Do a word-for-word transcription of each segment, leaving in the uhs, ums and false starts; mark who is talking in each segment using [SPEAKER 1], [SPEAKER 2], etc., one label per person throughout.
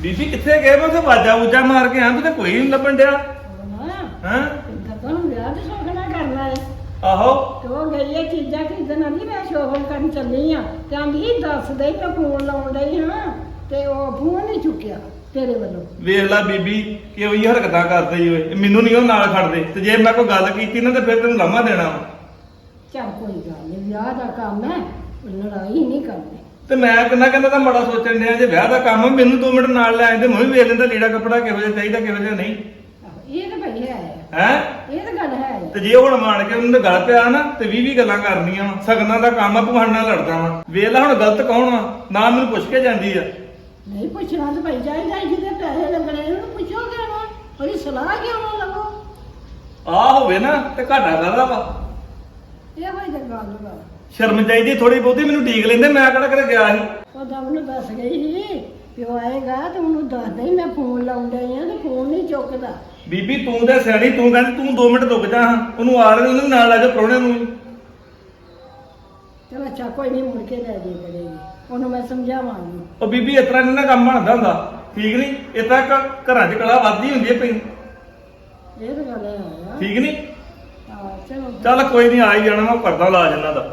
[SPEAKER 1] ਬੀਬੀ ਕਿੱਥੇ ਗਏ? ਮੈਂ ਉੱਥੇ ਵਾਜਾ ਵੂਜਾ ਮਾਰ ਕੇ ਆਂ ਤੇ ਕੋਈ ਨਹੀਂ ਲੱਭਣ ਡਿਆ। ਹਾਂ
[SPEAKER 2] ਗੱਪਾਂ ਨੂੰ ਵਿਆਹ ਤੇ ਸੋਖਣਾ ਕਰਨਾ ਹੈ।
[SPEAKER 1] ਆਹੋ
[SPEAKER 2] ਤੇ ਉਹ ਗਈ ਇਹ ਚੀਜ਼ਾਂ ਖਰੀਦਣ ਆਂਦੀ ਮੈਂ ਸ਼ੋਪਿੰਗ ਕਰਨ ਚੱਲੀ ਆ ਤੇ ਆਂਦੀ ਦੱਸ ਦੇ ਮੈਂ ਫੋਨ ਲਾਉਣ ਡਈ ਹਾਂ ਤੇ ਉਹ ਫੋਨ ਨਹੀਂ ਚੁੱਕਿਆ ਤੇਰੇ ਵੱਲੋਂ।
[SPEAKER 1] ਵੇਖ ਲੈ ਬੀਬੀ ਕਿ ਉਹੀ ਹਰਕਤਾਂ ਕਰਦੇ ਹੀ ਓਏ। ਮੈਨੂੰ ਨਹੀਂ ਉਹ ਨਾਲ ਖੜਦੇ ਤੇ ਜੇ ਮੈਂ ਕੋਈ ਗੱਲ ਕੀਤੀ ਨਾ ਤੇ ਫਿਰ ਤੈਨੂੰ ਲਾਮਾ ਦੇਣਾ ਵਾ।
[SPEAKER 2] ਚੱਲ ਕੋਈ ਗੱਲ ਨਹੀਂ, ਵਿਆਹ ਦਾ ਕੰਮ ਹੈ, ਲੜਾਈ ਨਹੀਂ ਕਰਨੀ।
[SPEAKER 1] ਤੇ ਮੈਂ ਕਿੰਨਾ ਕਹਿੰਦਾ ਤਾਂ ਮਾੜਾ ਸੋਚਣ ਡਿਆ। ਜੇ ਵਿਆਹ ਦਾ ਕੰਮ ਆ, ਮੈਨੂੰ ਦੋ ਮਿੰਟ ਨਾਲ ਲੈ ਆਂਦੇ ਮੈਂ ਵੀ ਵੇਖ ਲੈਂਦਾ ਲੀੜਾ ਕੱਪੜਾ ਕਿਹੋ ਜਿਹਾ ਚਾਹੀਦਾ ਕਿਹੋ ਜਿਹਾ ਨਹੀਂ।
[SPEAKER 2] ਇਹ ਤਾਂ ਭਈ ਹੈ
[SPEAKER 1] ਹੈ
[SPEAKER 2] ਇਹ ਤਾਂ ਗੱਲ ਹੈ।
[SPEAKER 1] ਤੇ ਜੇ ਹੁਣ ਮਾਣ ਕੇ ਉਹਨੂੰ ਗੱਲ ਪਿਆ ਨਾ ਤੇ ਵੀਹ ਵੀਹ ਗੱਲਾਂ ਕਰਨੀਆਂ ਵਾ। ਸਗਨਾਂ ਦਾ ਕੰਮ ਆ, ਭਗਵਾਨ ਨਾਲ ਲੜਦਾ ਵਾ। ਵੇਖ ਲੈ ਹੁਣ ਗਲਤ ਕੌਣ ਵਾ? ਨਾ ਮੈਨੂੰ ਪੁੱਛ ਕੇ ਜਾਂਦੀ ਆ।
[SPEAKER 2] ਨਹੀਂ ਪੁੱਛਣਾ ਤਾਂ ਭਾਈ ਚਾਹੀਦਾ, ਜਿਹਦੇ ਪੈਸੇ ਲੱਗਣੇ ਉਹਨੂੰ ਪੁੱਛੋਗੇ ਨਾ, ਉਹਦੀ ਸਲਾਹ ਕਿਉਂ ਨਾ ਲਵੋ।
[SPEAKER 1] ਆ ਹੋਵੇ ਨਾ ਤੇ ਘਾਟਾ ਕਰਦਾ ਵਾ।
[SPEAKER 2] ਇਹ ਹੋਈ ਤਾਂ ਗੱਲ ਵਾ।
[SPEAKER 1] ਸ਼ਰਮ ਚਾਹੀਦੀ ਥੋੜੀ ਬਹੁਤੀ। ਮੈਨੂੰ ਢੀਕ ਲੈਂਦੇ, ਮੈਂ ਕਿਹੜਾ ਕਿਤੇ ਗਿਆ ਸੀ।
[SPEAKER 2] ਉਹ ਤਾਂ ਉਹਨੂੰ ਦੱਸ ਗਈ ਸੀ ਕਿ ਉਹ ਆਏਗਾ ਤੇ ਉਹਨੂੰ ਦੱਸ ਦੇ ਮੈਂ ਫੋਨ ਲਾਉਣ ਡਈ ਆ ਤੇ ਫੋਨ ਨਹੀਂ ਚੁੱਕਦਾ।
[SPEAKER 1] ਬੀਬੀ ਤੂੰ ਤਾਂ ਸਿਆਣੀ, ਤੂੰ ਕਹਿੰਦੀ ਤੂੰ ਦੋ ਮਿੰਟ ਰੁਕ ਜਾ। ਹਾਂ ਉਹਨੂੰ ਆ ਰਹੇ ਉਹਨੂੰ ਨਾਲ ਲੈ ਜਾ ਪ੍ਰਾਹੁਣੇ ਨੂੰ।
[SPEAKER 2] ਚਲ ਅੱਛਾ ਕੋਈ ਨਹੀਂ, ਮੁੜ ਕੇ ਲੈ ਜੇ ਕਰੇਗੀ, ਉਹਨੂੰ ਮੈਂ ਸਮਝਾਵਾਂਗੀ।
[SPEAKER 1] ਉਹ ਬੀਬੀ ਇਸ ਤਰ੍ਹਾਂ ਨਹੀਂ ਨਾ ਕੰਮ ਬਣਦਾ ਹੁੰਦਾ, ਠੀਕ ਨਹੀਂ? ਇਸ ਤਰ੍ਹਾਂ ਘ- ਘਰਾਂ 'ਚ ਕਲਾ ਵੱਧਦੀ ਹੁੰਦੀ ਹੈ ਪਈ,
[SPEAKER 2] ਇਹ ਤਾਂ ਗੱਲ ਹੈ।
[SPEAKER 1] ਠੀਕ ਨਹੀਂ?
[SPEAKER 2] ਹਾਂ ਚਲੋ
[SPEAKER 1] ਚੱਲ ਕੋਈ ਨਹੀਂ, ਆ ਹੀ ਜਾਣਾ। ਮੈਂ ਕਰਦਾ ਇਲਾਜ ਇਹਨਾਂ ਦਾ।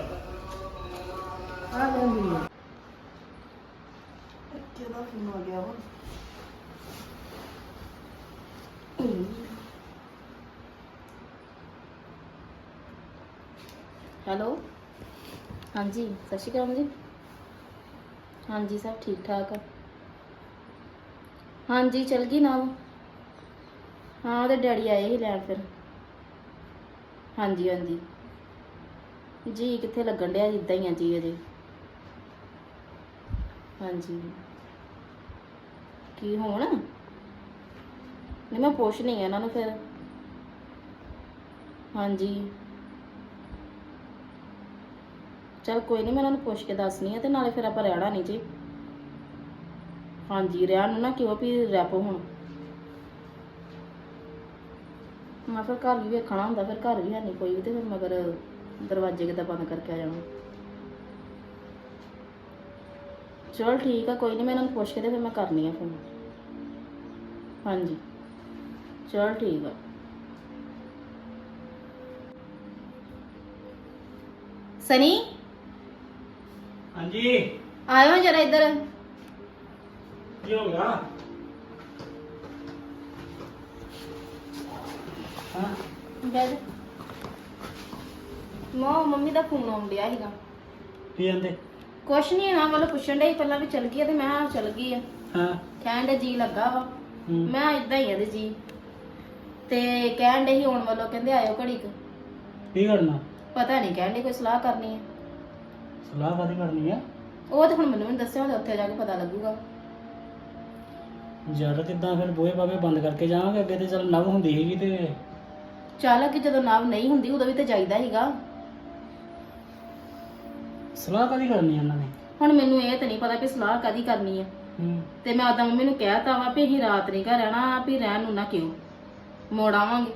[SPEAKER 2] ਆ ਜਾਂਦੀ ਹੈ। ਕਿਹਦਾ ਫੋਨ ਆ ਗਿਆ ਵਾ?
[SPEAKER 3] ਹੈਲੋ ਹਾਂਜੀ ਸਤਿ ਸ਼੍ਰੀ ਅਕਾਲ ਜੀ। ਹਾਂਜੀ ਸਭ ਠੀਕ ਠਾਕ ਆ। ਹਾਂਜੀ ਚਲ ਗਈ ਨਾ ਉਹ। ਹਾਂ ਉਹਦੇ ਡੈਡੀ ਆਏ ਸੀ ਲੈਣ ਫਿਰ। ਹਾਂਜੀ ਹਾਂਜੀ ਜੀ ਕਿੱਥੇ ਲੱਗਣ ਡਿਆ ਜਿੱਦਾਂ ਹੀ ਆ ਜੀ ਅਜੇ। ਹਾਂਜੀ ਕੀ ਹੋਣ? ਨਹੀਂ ਮੈਂ ਪੁੱਛਣੀ ਆ ਇਹਨਾਂ ਨੂੰ ਫਿਰ। ਹਾਂਜੀ ਚਲ ਕੋਈ ਨਹੀਂ, ਮੈਂ ਉਹਨਾਂ ਨੂੰ ਪੁੱਛ ਕੇ ਦੱਸਣੀ ਆ ਤੇ ਨਾਲੇ ਫਿਰ ਆਪਾਂ ਰਹਿਣਾ ਨਹੀਂ ਜੀ। ਹਾਂਜੀ ਰਹਿਣ ਨੂੰ ਨਾ ਕਿਉਂ ਵੀ ਰੈਪੋ ਹੁਣ। ਮੈਂ ਫਿਰ ਘਰ ਵੀ ਵੇਖਣਾ ਹੁੰਦਾ, ਫਿਰ ਘਰ ਵੀ ਹੈ ਨਹੀਂ ਕੋਈ ਵੀ ਤੇ ਫਿਰ ਮਗਰ ਦਰਵਾਜ਼ੇ ਕਿੱਦਾਂ ਬੰਦ ਕਰਕੇ ਆ ਜਾਣਾ। ਚਲ ਠੀਕ ਆ ਕੋਈ ਨਹੀਂ, ਮੈਂ ਇਹਨਾਂ ਨੂੰ ਪੁੱਛ ਕੇ ਤੇ ਫਿਰ ਮੈਂ ਕਰਨੀ ਆ ਫੋਨ। ਹਾਂਜੀ ਚਲ ਠੀਕ ਆ। ਸਨੀ
[SPEAKER 1] ਹਾਂਜੀ
[SPEAKER 3] ਆਇਓ ਜਰਾ ਇੱਧਰ।
[SPEAKER 1] ਕੀ ਹੋ ਗਿਆ? ਹਾਂ
[SPEAKER 3] ਬੈਠ। ਮੋ ਮੰਮੀ ਦਾ ਫੋਨ ਆਉਣ ਡਿਆ ਸੀਗਾ।
[SPEAKER 1] ਕੀ ਕਹਿੰਦੇ?
[SPEAKER 3] ਕੁਛ ਨਹੀਂ ਇਹਨਾਂ ਵੱਲੋਂ ਪੁੱਛਣ ਡਈ ਪਹਿਲਾਂ ਵੀ ਚਲ ਗਈ ਆ ਤੇ ਮੈਂ ਕਿਹਾ ਚਲ ਗਈ ਆ।
[SPEAKER 1] ਹਾਂ
[SPEAKER 3] ਕਹਿਣ ਡੇ ਜੀ ਲੱਗਾ ਵਾ। ਮੈਂ ਇਦਾਂ ਹੀ ਆ ਦੇ ਜੀ ਤੇ ਕਹਿਣ ਡੇ ਸੀ ਆਉਣ ਵੱਲੋਂ, ਕਹਿੰਦੇ ਆਇਓ ਘੜੀ ਕੁ।
[SPEAKER 4] ਕੀ ਕਰਨਾ?
[SPEAKER 3] ਪਤਾ ਨਹੀਂ ਕਹਿਣ ਡੇ ਕੋਈ ਸਲਾਹ ਕਰਨੀ ਹੈ।
[SPEAKER 4] ਸਲਾਹ ਕਾਹਦੀ ਕਰਨੀ ਆ?
[SPEAKER 3] ਉਹ ਤਾਂ ਹੁਣ ਮੈਨੂੰ ਵੀ ਨੀ ਦੱਸਿਆ, ਹੁਣ ਉੱਥੇ ਜਾ ਕੇ ਪਤਾ ਲੱਗੂਗਾ।
[SPEAKER 4] ਜਦ ਕਿੱਦਾਂ ਫਿਰ ਬੂਹੇ ਬਾਵੇ ਬੰਦ ਕਰਕੇ ਜਾਵਾਂਗੇ? ਅੱਗੇ ਤੇ ਚੱਲ ਨਵ ਹੁੰਦੀ ਸੀਗੀ ਤੇ
[SPEAKER 3] ਚੱਲ ਕਿ ਜਦੋਂ ਨਾਵ ਨਹੀਂ ਹੁੰਦੀ ਉਦੋਂ ਵੀ ਤੇ ਜਾਈਦਾ ਸੀਗਾ।
[SPEAKER 4] ਸਲਾਹ ਕਾਹਦੀ ਕਰਨੀ ਆ ਇਹਨਾਂ ਨੇ?
[SPEAKER 3] ਹੁਣ ਮੈਨੂੰ ਇਹ ਤਾਂ ਨਹੀਂ ਪਤਾ ਕਿ ਸਲਾਹ ਕਾਹਦੀ ਕਰਨੀ ਹੈ।
[SPEAKER 4] ਹੂੰ
[SPEAKER 3] ਤੇ ਮੈਂ ਉਦਾਂ ਮੰਮੀ ਨੂੰ ਕਹਿਤਾ ਵਾ ਵੀ ਅਸੀਂ ਰਾਤ ਨਹੀਂ ਘਰ ਰਹਿਣਾ, ਵੀ ਰਹਿਣ ਨੂੰ ਨਾ ਕਿਉਂ ਮੋੜ ਆਵਾਂਗੇ।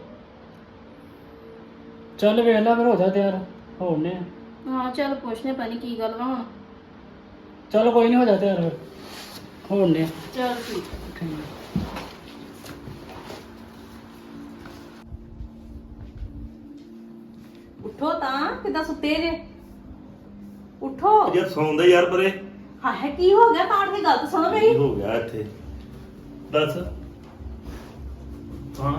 [SPEAKER 4] ਚੱਲ ਵੇਖ ਲੈ ਫਿਰ, ਹੋ ਜਾ ਤਿਆਰ ਹੋਣੇ ਆ।
[SPEAKER 3] ਹਾਂ ਚੱਲ ਪੁੱਛਨੇ ਪਤਾ ਨਹੀਂ ਕੀ ਗੱਲ ਵਾ ਹੁਣ।
[SPEAKER 4] ਚੱਲ ਕੋਈ ਨਹੀਂ, ਹੋ ਜਾ ਤਿਆਰ ਫਿਰ ਹੋਣੇ ਆ।
[SPEAKER 3] ਚੱਲ ਠੀਕ।
[SPEAKER 4] ਠੀਕ
[SPEAKER 5] ਉਠੋ ਤਾਂ, ਕਿੱਦਾਂ ਸੁੱਤੇ ਜੇ? ਉਠੋ।
[SPEAKER 1] ਯਾਰ ਸੌਂਦਾ ਯਾਰ ਪਰੇ।
[SPEAKER 5] ਹਾਏ ਕੀ ਹੋ ਗਿਆ? ਕਾਟ ਦੀ ਗੱਲ ਤਾਂ ਸੁਣੋ ਮੇਰੀ।
[SPEAKER 1] ਕੀ ਹੋ ਗਿਆ ਇੱਥੇ? ਦੱਸ। ਹਾਂ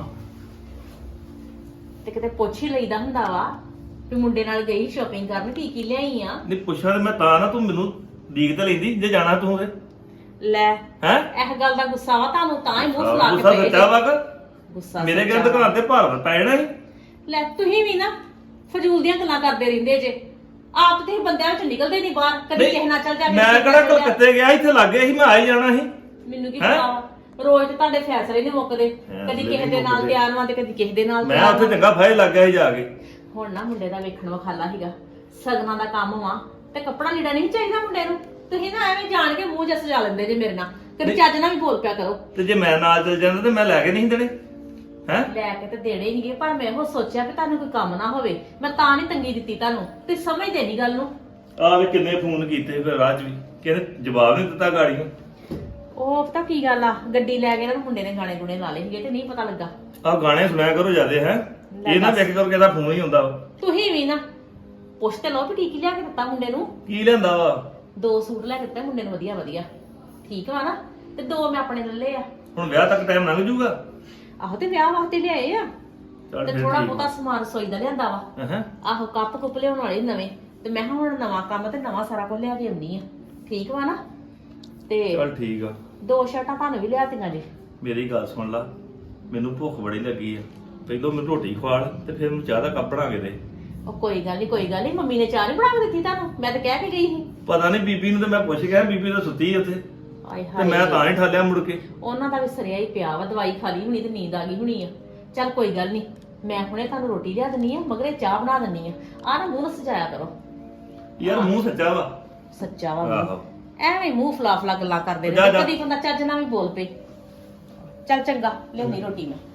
[SPEAKER 5] ਤੇ ਕਿਤੇ ਪੁੱਛ ਹੀ ਲਈਦਾ ਹੁੰਦਾ ਵਾ ਵੀ ਮੁੰਡੇ ਨਾਲ ਗਈ ਸ਼ਾਪਿੰਗ ਕਰਨ, ਕੀ ਕੀ ਲਿਆਈ ਆ?
[SPEAKER 1] ਨਹੀਂ ਪੁੱਛਾਂ ਤੇ ਮੈਂ ਤਾਂ ਨਾ, ਤੂੰ ਮੈਨੂੰ ਡੀਕ ਤਾਂ ਲੈਂਦੀ ਜੇ ਜਾਣਾ ਤੂੰ ਹੋਵੇ।
[SPEAKER 5] ਲੈ
[SPEAKER 1] ਹੈ
[SPEAKER 5] ਇਹ ਗੱਲ ਦਾ ਗੁੱਸਾ ਵਾ ਤੁਹਾਨੂੰ, ਤਾਂ ਹੀ ਮੂੰਹ ਫੁਲਾ ਕੇ
[SPEAKER 1] ਗੁੱਸਾ
[SPEAKER 5] ਪਏ
[SPEAKER 1] ਸੱਚਾ ਵਾ
[SPEAKER 5] ਜੇ।
[SPEAKER 1] ਕਿ
[SPEAKER 5] ਗੁੱਸਾ
[SPEAKER 1] ਮੇਰੇ
[SPEAKER 5] ਸੱਚਾ
[SPEAKER 1] ਘਰ ਦੁਕਾਨ ਤੇ ਭਾਰ ਪੈ ਜਾਣਾ ਸੀ।
[SPEAKER 5] ਲੈ ਤੁਸੀਂ ਵੀ ਨਾ ਫਜ਼ੂਲ ਦੀਆਂ ਗੱਲਾਂ ਕਰਦੇ ਰਹਿੰਦੇ ਜੇ। ਆਪ ਤੇ ਬੰਦਿਆਂ ਵਿੱਚ ਨਿਕਲਦੇ ਨਹੀਂ ਬਾਹਰ, ਕਦੀ
[SPEAKER 1] ਨਹੀਂ,
[SPEAKER 5] ਕਿਸੇ ਨਾਲ ਚੱਲ ਜਾ, ਕਦੀ
[SPEAKER 1] ਮੈਂ
[SPEAKER 5] ਕਿਸੇ
[SPEAKER 1] ਕਿਹੜਾ
[SPEAKER 5] ਨਾਲ ਚੱਲ ਜਾ।
[SPEAKER 1] ਕਲਕੱਤੇ ਗਿਆ, ਇੱਥੇ ਲੱਗੇ ਸੀ, ਮੈਂ ਆ ਹੀ ਜਾਣਾ ਸੀ।
[SPEAKER 5] ਮੈਨੂੰ ਕੀ
[SPEAKER 1] ਹੈਂ?
[SPEAKER 5] ਪਤਾ ਵਾ, ਰੋਜ਼ ਤੇ ਤੁਹਾਡੇ ਫੈਸਲੇ ਨਹੀਂ ਮੁੱਕਦੇ।
[SPEAKER 1] ਫੈਸਲੇ
[SPEAKER 5] ਕਦੀ
[SPEAKER 1] ਨੀ
[SPEAKER 5] ਕਿਸੇ ਦੇ ਨਾਲ
[SPEAKER 1] ਮੁੱਕਦੇ।
[SPEAKER 5] ਤਿਆਰ ਵਾਂ ਤੇ ਕਦੀ ਕਿਸੇ ਦੇ ਨਾਲ
[SPEAKER 1] ਮੈਂ
[SPEAKER 5] ਤਿਆਰ
[SPEAKER 1] ਉੱਥੇ
[SPEAKER 5] ਵਾਂ।
[SPEAKER 1] ਚੰਗਾ ਫਾਇਲ ਲੱਗ ਗਿਆ ਸੀ ਜਾ ਕੇ।
[SPEAKER 5] ਹੁਣ ਨਾ ਮੁੰਡੇ ਦਾ ਵੇਖਣ ਵਖਾਲਾ ਸੀਗਾ, ਸਗਨਾਂ ਦਾ ਕੰਮ ਵਾ ਤੇ ਕੱਪੜਾ ਲੀੜਾ ਨਹੀਂ ਚਾਹੀਦਾ ਮੁੰਡੇ ਨੂੰ। ਤੁਸੀਂ ਨਾ ਐਵੇਂ ਜਾਣ ਕੇ ਮੂੰਹ ਜਿਹਾ ਸਜਾ ਲੈਂਦੇ ਜੇ ਮੇਰੇ ਨਾਲ। ਕਦੀ
[SPEAKER 1] ਨਹੀਂ।
[SPEAKER 5] ਚੱਜ ਨਾਲ ਵੀ ਬੋਲ ਪਿਆ ਕਰੋ।
[SPEAKER 1] ਤੇ ਜੇ ਮੈਂ ਨਾਲ ਚੱਲ ਜਾਂਦਾ ਤੇ ਮੈਂ ਲੈ ਕੇ ਨਹੀਂ ਦੇਣੇ। ਹੈ
[SPEAKER 5] ਲੈ ਕੇ ਤੇ ਦੇਣੇ ਨਹੀਂਗੇ, ਪਰ ਮੈਂ ਉਹ ਸੋਚਿਆ ਕਿ ਤੁਹਾਨੂੰ ਕੋਈ ਕੰਮ ਨਾ ਹੋਵੇ, ਮੈਂ ਤਾਂ ਨਹੀਂ ਤੰਗੀ ਦਿੱਤੀ ਤੁਹਾਨੂੰ। ਤੇ ਸਮਝਦੇ ਨਹੀਂ ਗੱਲ ਨੂੰ।
[SPEAKER 1] ਆ ਵੀ ਕਿੰਨੇ ਫੋਨ ਕੀਤੇ ਫਿਰ ਰਾਜ ਵੀ, ਕਹਿੰਦੇ ਜਵਾਬ ਨਹੀਂ ਦਿੱਤਾ ਗਾੜੀ ਨੂੰ।
[SPEAKER 5] ਉਹ ਪਤਾ ਕੀ ਗੱਲ ਆ, ਗੱਡੀ ਲੈ ਕੇ ਨਾ ਮੁੰਡੇ ਨੇ ਗਾਣੇ ਗੁਣੇ ਲਾ ਲਏ ਸੀਗੇ ਤੇ ਨਹੀਂ ਪਤਾ ਲੱਗਾ।
[SPEAKER 1] ਆਹ ਗਾਣੇ ਸੁਣਿਆ ਕਰੋ ਜਿਆਦੇ ਹੈ, ਇਹ ਨਾ ਵੇਖ ਕਰਕੇ ਇਹਦਾ ਫੋਨ ਹੀ ਹੁੰਦਾ ਵਾ।
[SPEAKER 5] ਤੁਸੀਂ ਵੀ ਨਾ ਪੁੱਛ ਤੇ ਲਓ ਵੀ ਕੀ ਕੀ ਲਿਆ ਕੇ ਦਿੱਤਾ ਮੁੰਡੇ ਨੂੰ।
[SPEAKER 1] ਕੀ ਲੈਂਦਾ ਵਾ?
[SPEAKER 5] ਦੋ ਸੂਟ ਲੈ ਕੇ ਦਿੱਤੇ ਮੁੰਡੇ ਨੂੰ ਵਧੀਆ ਵਧੀਆ, ਠੀਕ ਵਾ ਨਾ, ਤੇ ਦੋ ਮੈਂ ਆਪਣੇ ਲੱਲੇ ਆ।
[SPEAKER 1] ਹੁਣ ਵਿਆਹ ਤੱਕ ਟਾਈਮ ਲੰਘ ਜੂਗਾ।
[SPEAKER 5] ਆਹੋ ਤੇ ਵਿਆਹ ਵਾਸਤੇ ਲਿਆਏ ਆ,
[SPEAKER 1] ਚੱਲ
[SPEAKER 5] ਤੇ
[SPEAKER 1] ਫਿਰ
[SPEAKER 5] ਥੋੜਾ
[SPEAKER 1] ਠੀਕ
[SPEAKER 5] ਬਹੁਤਾ ਸਮਾਨ ਰਸੋਈ ਦਾ ਲਿਆਂਦਾ ਵਾ।
[SPEAKER 1] ਹਾਂ
[SPEAKER 5] ਆਹੋ ਕੱਪ ਕੁੱਪ ਲਿਆਉਣ ਵਾਲੇ ਨਵੇਂ, ਤੇ ਮੈਂ ਕਿਹਾ ਹੁਣ ਨਵਾਂ ਕੰਮ ਤੇ ਨਵਾਂ ਸਾਰਾ ਕੁਝ ਲਿਆ ਕੇ ਆਉਂਦੀ ਆ, ਠੀਕ ਵਾ ਨਾ। ਤੇ
[SPEAKER 1] ਚੱਲ ਠੀਕ ਆ।
[SPEAKER 5] ਦੋ ਸ਼ਰਟਾਂ ਤੁਹਾਨੂੰ ਵੀ ਲਿਆਤੀਆਂ ਜੀ।
[SPEAKER 1] ਮੇਰੀ ਗੱਲ ਸੁਣ ਲਾ, ਮੈਨੂੰ ਭੁੱਖ ਬੜੀ ਲੱਗੀ ਆ, ਪਹਿਲਾਂ ਮੈਨੂੰ ਰੋਟੀ ਖਵਾ ਤੇ ਫਿਰ ਮੈਨੂੰ ਚਾਹ ਦਾ ਕੱਪ ਬਣਾ ਕੇ ਦੇ।
[SPEAKER 5] ਉਹ ਕੋਈ ਗੱਲ ਨਹੀਂ ਕੋਈ ਗੱਲ ਨਹੀਂ, ਮੰਮੀ ਨੇ ਚਾਹ ਨਹੀਂ ਬਣਾ ਕੇ ਦਿੱਤੀ ਤੁਹਾਨੂੰ? ਮੈਂ ਤਾਂ ਕਹਿ ਕੇ ਗਈ ਸੀ।
[SPEAKER 1] ਪਤਾ ਨਹੀਂ ਬੀਬੀ ਨੂੰ ਤੇ ਮੈਂ ਪੁੱਛ ਗਿਆ, ਬੀਬੀ ਤਾਂ ਸੁੱਤੀ ਆ ਉੱਥੇ
[SPEAKER 5] ਆਏ
[SPEAKER 1] ਤੇ
[SPEAKER 5] ਹਾਏ,
[SPEAKER 1] ਮੈਂ ਤਾਂ ਹੀ ਠਾਲਿਆ ਮੁੜ ਕੇ।
[SPEAKER 5] ਉਹਨਾਂ ਦਾ ਵੀ ਸਰਿਆ ਹੀ ਪਿਆ ਵਾ, ਦਵਾਈ ਖਾ ਲਈ ਹੋਣੀ ਤੇ ਨੀਂਦ ਆ ਗਈ ਹੋਣੀ ਆ। ਚੱਲ ਕੋਈ ਗੱਲ ਨਹੀਂ, ਮੈਂ ਹੁਣੇ ਤੁਹਾਨੂੰ ਰੋਟੀ ਲਿਆ ਦਿੰਨੀ ਆ, ਮਗਰੇ ਚਾਹ ਬਣਾ ਦਿੰਨੀ ਆ। ਆਹ ਨਾ ਮੂੰਹ ਨਾ ਸਜਾਇਆ ਕਰੋ।
[SPEAKER 1] ਯਾਰ ਮੂੰਹ ਸੱਚਾ ਵਾ।
[SPEAKER 5] ਸੱਚਾ ਵਾ ਮੂੰਹ।
[SPEAKER 1] ਆਹੋ
[SPEAKER 5] ਐਵੇਂ ਮੂੰਹ ਫਲਾ ਫਲਾ ਗੱਲਾਂ ਕਰਦੇ
[SPEAKER 1] ਜਾ,
[SPEAKER 5] ਨੇ,
[SPEAKER 1] ਜਾ।
[SPEAKER 5] ਕਦੀ ਬੰਦਾ ਚੱਜ ਨਾਲ ਵੀ ਬੋਲ ਪਏ। ਚੱਲ ਚੰਗਾ, ਲਿਆਉਂਦੀ ਰੋਟੀ ਮੈਂ।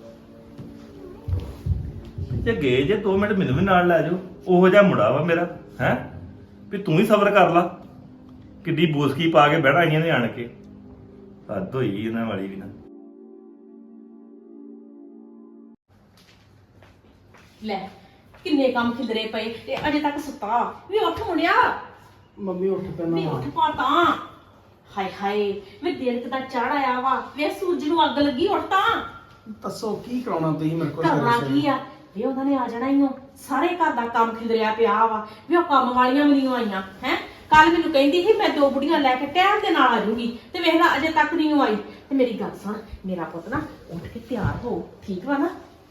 [SPEAKER 1] ਜੇ ਗਏ ਜੇ ਦੋ ਮਿੰਟ ਮੈਨੂੰ ਵੀ ਨਾਲ ਲੈ ਜਾਓ। ਉਹੋ ਜਿਹਾ ਮੁੰਡਾ ਵਾ ਮੇਰਾ, ਹੈ ਵੀ ਤੂੰ ਹੀ ਸਬਰ ਕਰ ਲਾ। ਕਿੱਡੀ ਬੋਸਕੀ ਪਾ ਕੇ ਬਹਿਣਾ ਆਈਆਂ ਨੇ ਆਣ ਕੇ, ਹੱਦ ਹੋਈ ਇਹਨਾਂ ਵਾਲੀ ਵੀ ਨਾ।
[SPEAKER 5] ਲੈ ਕਿੰਨੇ ਕੰਮ ਖਿਲਰੇ ਪਏ ਤੇ ਅਜੇ ਤੱਕ ਸੁੱਤਾ ਵੀ। ਉੱਠ ਮੁੰਡਿਆ,
[SPEAKER 4] ਮੰਮੀ ਉੱਠ
[SPEAKER 5] ਵੀ
[SPEAKER 4] ਪੈਣਾ।
[SPEAKER 5] ਉੱਠ ਪਾ ਤਾਂ। ਹਾਏ ਹਾਏ ਵੀ ਦਿਨ ਕਿਦਾ ਚੜ ਆਇਆ ਵਾ, ਵੇ ਸੂਰਜ ਨੂੰ ਅੱਗ ਲੱਗੀ। ਉੱਠ ਤਾਂ।
[SPEAKER 4] ਦੱਸੋ ਕੀ ਕਰਾਉਣਾ ਤੁਸੀਂ ਮੇਰੇ ਕੋਲ?
[SPEAKER 5] ਕਰਨਾ ਕੀ ਆ ਵੀ, ਉਹਨਾਂ ਨੇ ਆ ਜਾਣਾ ਹੀ ਉਹ। ਸਾਰੇ ਘਰ ਦਾ ਕੰਮ ਖਿਲਰਿਆ ਪਿਆ ਵਾ ਵੀ, ਉਹ ਕੰਮ ਵਾਲੀਆਂ ਵੀ ਨਹੀਂ ਆਈਆਂ ਹੈ। ਕੱਲ ਮੈਨੂੰ ਕਹਿੰਦੀ ਸੀ ਮੈਂ ਦੋ ਬੁੜੀਆਂ ਲੈ ਕੇ ਟਾਈਮ ਦੇ ਨਾਲ ਆ ਜਾਊਗੀ, ਤੇ ਵੇਖ ਲੈ ਅਜੇ ਤੱਕ ਨਹੀਂ ਆਈ। ਤੇ ਮੇਰੀ ਗੱਲ ਸੁਣ, ਮੇਰਾ ਪੁੱਤ ਨਾ ਉੱਠ ਕੇ ਤਿਆਰ ਹੋ, ਠੀਕ ਵਾ ਨਾ?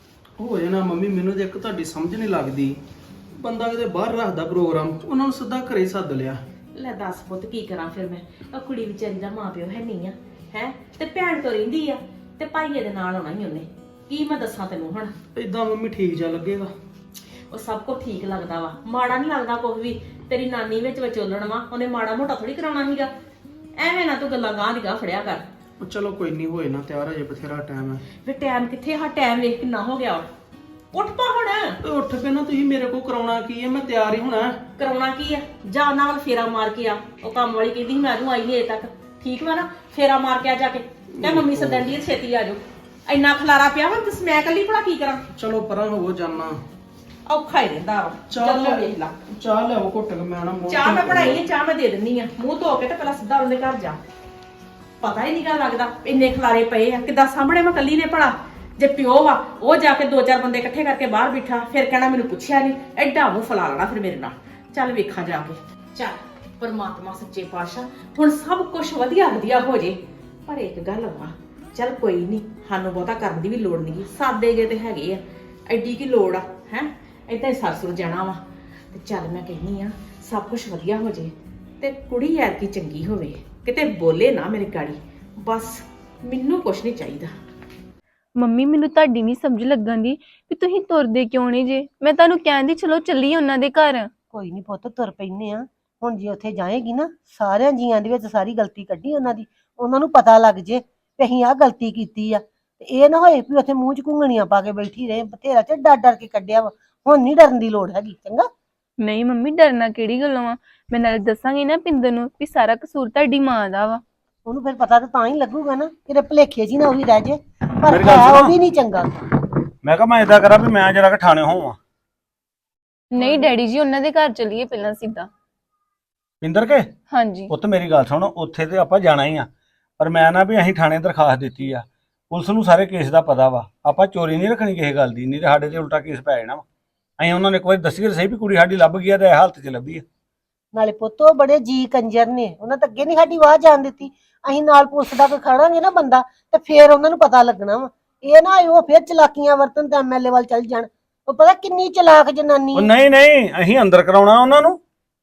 [SPEAKER 4] ਹੋ ਜਾਣਾ ਮੰਮੀ, ਮੈਨੂੰ ਤੇ ਇੱਕ ਤੁਹਾਡੀ ਸਮਝ ਨਹੀਂ ਲੱਗਦੀ। ਬੰਦਾ ਕਿਤੇ ਬਾਹਰ ਰੱਖਦਾ ਪ੍ਰੋਗਰਾਮ, ਉਹਨਾਂ ਨੂੰ ਸਿੱਧਾ ਘਰੇ ਸੱਦ ਲਿਆ।
[SPEAKER 5] ਲੈ ਦੱਸ ਪੁੱਤ ਕੀ ਕਰਾਂ ਫਿਰ ਮੈਂ। ਉਹ ਕੁੜੀ ਵਿਚਾਰੀ ਦਾ ਮਾਂ ਪਿਓ ਹੈ ਨਹੀਂ ਆ, ਹੈ ਤੇ ਭੈਣ ਤੋਂ ਰਹਿੰਦੀ ਆ, ਤੇ ਭਾਈਏ ਦੇ ਨਾਲ ਆਉਣਾ ਹੀ ਉਹਨੇ। ਕੀ ਮੈਂ ਦੱਸਾਂ ਤੈਨੂੰ ਹੁਣ?
[SPEAKER 4] ਏਦਾਂ ਮੰਮੀ ਠੀਕ ਜਾ ਲੱਗੇਗਾ?
[SPEAKER 5] ਉਹ ਸਭ ਕੁਝ ਠੀਕ ਲੱਗਦਾ ਵਾ, ਮਾੜਾ ਨਹੀਂ ਲੱਗਦਾ ਕੁਝ ਵੀ। ਤੇਰੀ ਨਾਨੀ ਵਿੱਚ ਵਿਚੋਲਣ ਵਾ, ਉਹਨੇ ਮਾੜਾ ਮੋਟਾ ਥੋੜੀ ਕਰਾਉਣਾ ਸੀਗਾ। ਐਵੇਂ ਨਾ ਤੂੰ ਗੱਲਾਂ ਗਾਂ ਦੀ ਗਾਂ ਫੜਿਆ ਕਰ।
[SPEAKER 4] ਉਹ ਚਲੋ ਕੋਈ ਨਹੀਂ, ਹੋਏ ਨਾ ਤਿਆਰ, ਹਜੇ ਬਥੇਰਾ ਟਾਈਮ ਹੈ।
[SPEAKER 5] ਵੇ ਟਾਈਮ ਕਿੱਥੇ? ਹਾਂ ਟਾਈਮ ਵੇਖ ਕਿੰਨਾ ਹੋ ਗਿਆ। ਉੱਠ ਪਾ ਹੁਣ।
[SPEAKER 4] ਤੇ ਉੱਠ ਪੈਣਾ, ਤੁਸੀਂ ਮੇਰੇ ਕੋਲ ਕਰਾਉਣਾ ਕੀ ਹੈ? ਮੈਂ ਤਿਆਰ ਹੀ ਹੋਣਾ।
[SPEAKER 5] ਕਰਾਉਣਾ ਕੀ ਆ? ਜਾ ਉਹਨਾਂ ਵੱਲ ਫੇਰਾ ਮਾਰ ਕੇ ਆ। ਉਹ ਕੰਮ ਵਾਲੀ ਕਹਿੰਦੀ ਸੀ ਮੈਂ ਆਜੂ, ਆਈ ਨਹੀਂ ਅਜੇ ਤੱਕ, ਠੀਕ ਵਾ ਨਾ? ਫੇਰਾ ਮਾਰ ਕੇ ਆ ਜਾ ਕੇ, ਤੇ ਮੰਮੀ ਸੱਦਣ ਦੀ ਛੇਤੀ ਆ ਜਾਓ। ਇੰਨਾ ਖਲਾਰਾ ਪਿਆ ਵਾ, ਤੇ ਮੈਂ ਇਕੱਲੀ ਭਲਾ ਕੀ ਕਰਾਂ?
[SPEAKER 4] ਚਲੋ ਪਰਾਂ ਹੋਵੋ, ਜਾਨਾ
[SPEAKER 5] ਔਖਾ ਹੀ ਰਹਿੰਦਾ ਵਾ। ਚੱਲ ਲੈ ਵੇਖ ਲਾ।
[SPEAKER 4] ਚਾਹ ਲਿਆਓ ਘੁੱਟ ਕੇ, ਮੈਂ ਨਾ ਮੂੰਹ
[SPEAKER 5] ਚਾਹ ਮੈਂ ਬਣਾਈ ਹੈ, ਚਾਹ ਮੈਂ ਦੇ ਦਿੰਨੀ ਆ। ਮੂੰਹ ਧੋ ਕੇ ਤੇ ਪਹਿਲਾਂ ਸਿੱਧਾ ਉਹਦੇ ਘਰ ਜਾ। ਪਤਾ ਹੀ ਨਹੀਂ ਗਾ ਲੱਗਦਾ ਇੰਨੇ ਖਲਾਰੇ ਪਏ ਆ, ਕਿੱਦਾਂ ਸਾਹਮਣੇ ਮੈਂ ਕੱਲੀ ਨੇ ਭਲਾ। ਜੇ ਪਿਓ ਵਾ ਉਹ ਜਾ ਕੇ ਦੋ ਚਾਰ ਬੰਦੇ ਇਕੱਠੇ ਕਰਕੇ ਬਾਹਰ ਬਿਠਾ, ਫਿਰ ਕਹਿਣਾ ਮੈਨੂੰ ਪੁੱਛਿਆ ਨਹੀਂ, ਐਡਾ ਮੂੰਹ ਫਲਾ ਲੈਣਾ ਫਿਰ ਮੇਰੇ ਨਾਲ। ਚੱਲ ਵੇਖਾਂ ਜਾ ਕੇ। ਚੱਲ ਪਰਮਾਤਮਾ ਸੱਚੇ ਪਾਤਸ਼ਾਹ ਹੁਣ ਸਭ ਕੁਝ ਵਧੀਆ ਵਧੀਆ ਹੋ ਜੇ। ਪਰ ਇੱਕ ਗੱਲ ਵਾ, ਚੱਲ ਕੋਈ ਨਹੀਂ, ਸਾਨੂੰ ਬਹੁਤਾ ਕਰਨ ਦੀ ਵੀ ਲੋੜ ਨਹੀਂ, ਸਾਦੇ ਜੇ ਤੇ ਹੈਗੇ ਆ, ਐਡੀ ਕੀ ਲੋੜ ਆ ਹੈ। ਏਦਾਂ ਹੀ ਸਰਸੁਰ ਜਾਣਾ ਵਾ। ਤੇ ਚੱਲ ਮੈਂ ਕਹਿੰਦੀ ਆ ਸਭ ਕੁਝ ਵਧੀਆ ਹੋ ਜੇ, ਤੇ ਕੁੜੀ ਯਾਰ ਕੀ ਚੰਗੀ ਹੋਵੇ, ਕਿਤੇ ਬੋਲੇ ਨਾ ਮੇਰੇ ਗਾੜੀ। ਬਸ ਮੈਨੂੰ ਕੁਝ ਨਹੀਂ ਚਾਹੀਦਾ।
[SPEAKER 6] ਮੰਮੀ ਮੈਨੂੰ ਤੁਹਾਡੀ ਨਹੀਂ ਸਮਝ ਲੱਗਣ ਦੀ ਵੀ ਤੁਸੀਂ ਤੁਰਦੇ ਕਿਉਂ ਨਹੀਂ ਜੇ। ਮੈਂ ਤੁਹਾਨੂੰ ਕਹਿੰਦੀ ਚਲੋ ਚੱਲੀਏ ਉਹਨਾਂ ਦੇ ਘਰ।
[SPEAKER 7] ਕੋਈ ਨਹੀਂ ਪੁੱਤ, ਤੁਰ ਪੈਨੇ ਆ। ਹੁਣ ਜੇ ਉੱਥੇ ਜਾਏਗੀ ਨਾ, ਸਾਰਿਆਂ ਜੀਆਂ ਦੇ ਵਿੱਚ ਸਾਰੀ ਗਲਤੀ ਕੱਢੀ ਉਹਨਾਂ ਦੀ, ਉਹਨਾਂ ਨੂੰ ਪਤਾ ਲੱਗ ਜੇ ਵੀ ਅਸੀਂ ਆਹ ਗਲਤੀ ਕੀਤੀ ਆ। ਤੇ ਇਹ ਨਾ ਹੋਏ ਵੀ ਉੱਥੇ ਮੂੰਹ 'ਚ ਘੁੰਗਣੀਆਂ ਪਾ ਕੇ ਬੈਠੀ ਰਹੇ। ਬਥੇਰਾ ਤੇ ਡਰ ਡਰ ਕੇ ਕੱਢਿਆ ਵਾ, ਹੁਣ ਨਹੀਂ ਡਰਨ ਦੀ ਲੋੜ ਹੈਗੀ। ਚੰਗਾ?
[SPEAKER 6] ਨਹੀਂ ਮੰਮੀ, ਡਰਨਾ ਕਿਹੜੀ ਗੱਲੋਂ ਆ। ਮੈਂ ਨਾਲ ਦੱਸਾਂਗੀ ਨਾ ਪਿੰਦਰ ਨੂੰ ਵੀ ਸਾਰਾ ਕਸੂਰ ਤੁਹਾਡੀ ਮਾਂ ਦਾ ਵਾ।
[SPEAKER 7] ਉਹਨੂੰ ਫਿਰ ਪਤਾ ਤਾਂ ਤਾਂ ਹੀ ਲੱਗੂਗਾ ਨਾ, ਕਿਤੇ ਭੁਲੇਖੇ ਜੀ ਨਾ ਉਹੀ ਰਹਿ ਜੇ। ਪਰ
[SPEAKER 8] ਮੇਰੀ ਗੱਲ
[SPEAKER 7] ਹੈ
[SPEAKER 8] ਸੁਣੋ।
[SPEAKER 7] ਉਹ ਵੀ ਨਹੀਂ ਚੰਗਾ।
[SPEAKER 8] ਮੈਂ ਕਿਹਾ ਮੈਂ ਇਦਾਂ ਕਰਾਂ ਵੀ ਮੈਂ ਜਰਾ ਕਿ ਠਾਣੇ ਹੋਵਾਂ।
[SPEAKER 6] ਨਹੀਂ ਡੈਡੀ ਜੀ, ਉਹਨਾਂ ਦੇ ਘਰ ਚੱਲੀਏ ਪਹਿਲਾਂ ਸਿੱਧਾ।
[SPEAKER 8] ਪਿੰਦਰ ਕੇ
[SPEAKER 6] ਹਾਂਜੀ
[SPEAKER 8] ਪੁੱਤ ਮੇਰੀ ਗੱਲ ਸੁਣ, ਉੱਥੇ ਤੇ ਆਪਾਂ ਜਾਣਾ ਹੀ ਆ, ਪਰ ਮੈਂ ਨਾ ਵੀ ਅਸੀਂ ਥਾਣੇ ਦਰਖਾਸਤ ਦਿੱਤੀ ਆ। ਪੁਲਿਸ ਨੂੰ ਸਾਰੇ ਕੇਸ ਦਾ ਪਤਾ ਵਾ, ਆਪਾਂ ਚੋਰੀ ਨਹੀਂ ਰੱਖਣੀ ਕਿਸੇ ਗੱਲ ਦੀ, ਨਹੀਂ ਤੇ ਸਾਡੇ ਤੇ ਉਲਟਾ ਕੇਸ ਪੈ ਜਾਣਾ ਵਾ। ਅਸੀਂ ਉਹਨਾਂ ਨੇ ਇੱਕ ਵਾਰੀ ਦੱਸੀਏ ਸਹੀ ਵੀ ਕੁੜੀ ਸਾਡੀ ਲੱਭ ਗਈ ਆ ਤੇ ਇਹ ਹਾਲਤ 'ਚ ਲੱਭੀ ਆ।
[SPEAKER 7] ਨਾਲੇ ਪੁੱਤ ਉਹ ਬੜੇ ਜੀ ਕੰਜਰ ਨੇ, ਉਹਨਾਂ ਤਾਂ ਅੱਗੇ ਨਹੀਂ ਸਾਡੀ ਆਵਾਜ਼ ਜਾਣ ਦਿੱਤੀ। ਅਸੀਂ ਨਾਲ ਪੁਲਿਸ ਦਾ ਕੋਈ ਖੜਾਂਗੇ ਨਾ ਬੰਦਾ, ਤੇ ਫੇਰ ਉਹਨਾਂ ਨੂੰ ਪਤਾ ਲੱਗਣਾ ਵਾ। ਇਹ ਨਾ ਉਹ ਫੇਰ ਚਲਾਕੀਆਂ ਵਰਤਨ ਤੇ ਐਮਐਲਏ ਵੱਲ ਚੱਲ ਜਾਣ। ਉਹ ਪਤਾ ਕਿੰਨੀ ਚਲਾਕ ਜਨਾਨੀ
[SPEAKER 8] ਉਹ
[SPEAKER 7] ਹੈ।
[SPEAKER 8] ਨਹੀਂ ਨਹੀਂ, ਅਸੀਂ ਅੰਦਰ ਕਰਾਉਣਾ ਉਹਨਾਂ ਨੂੰ,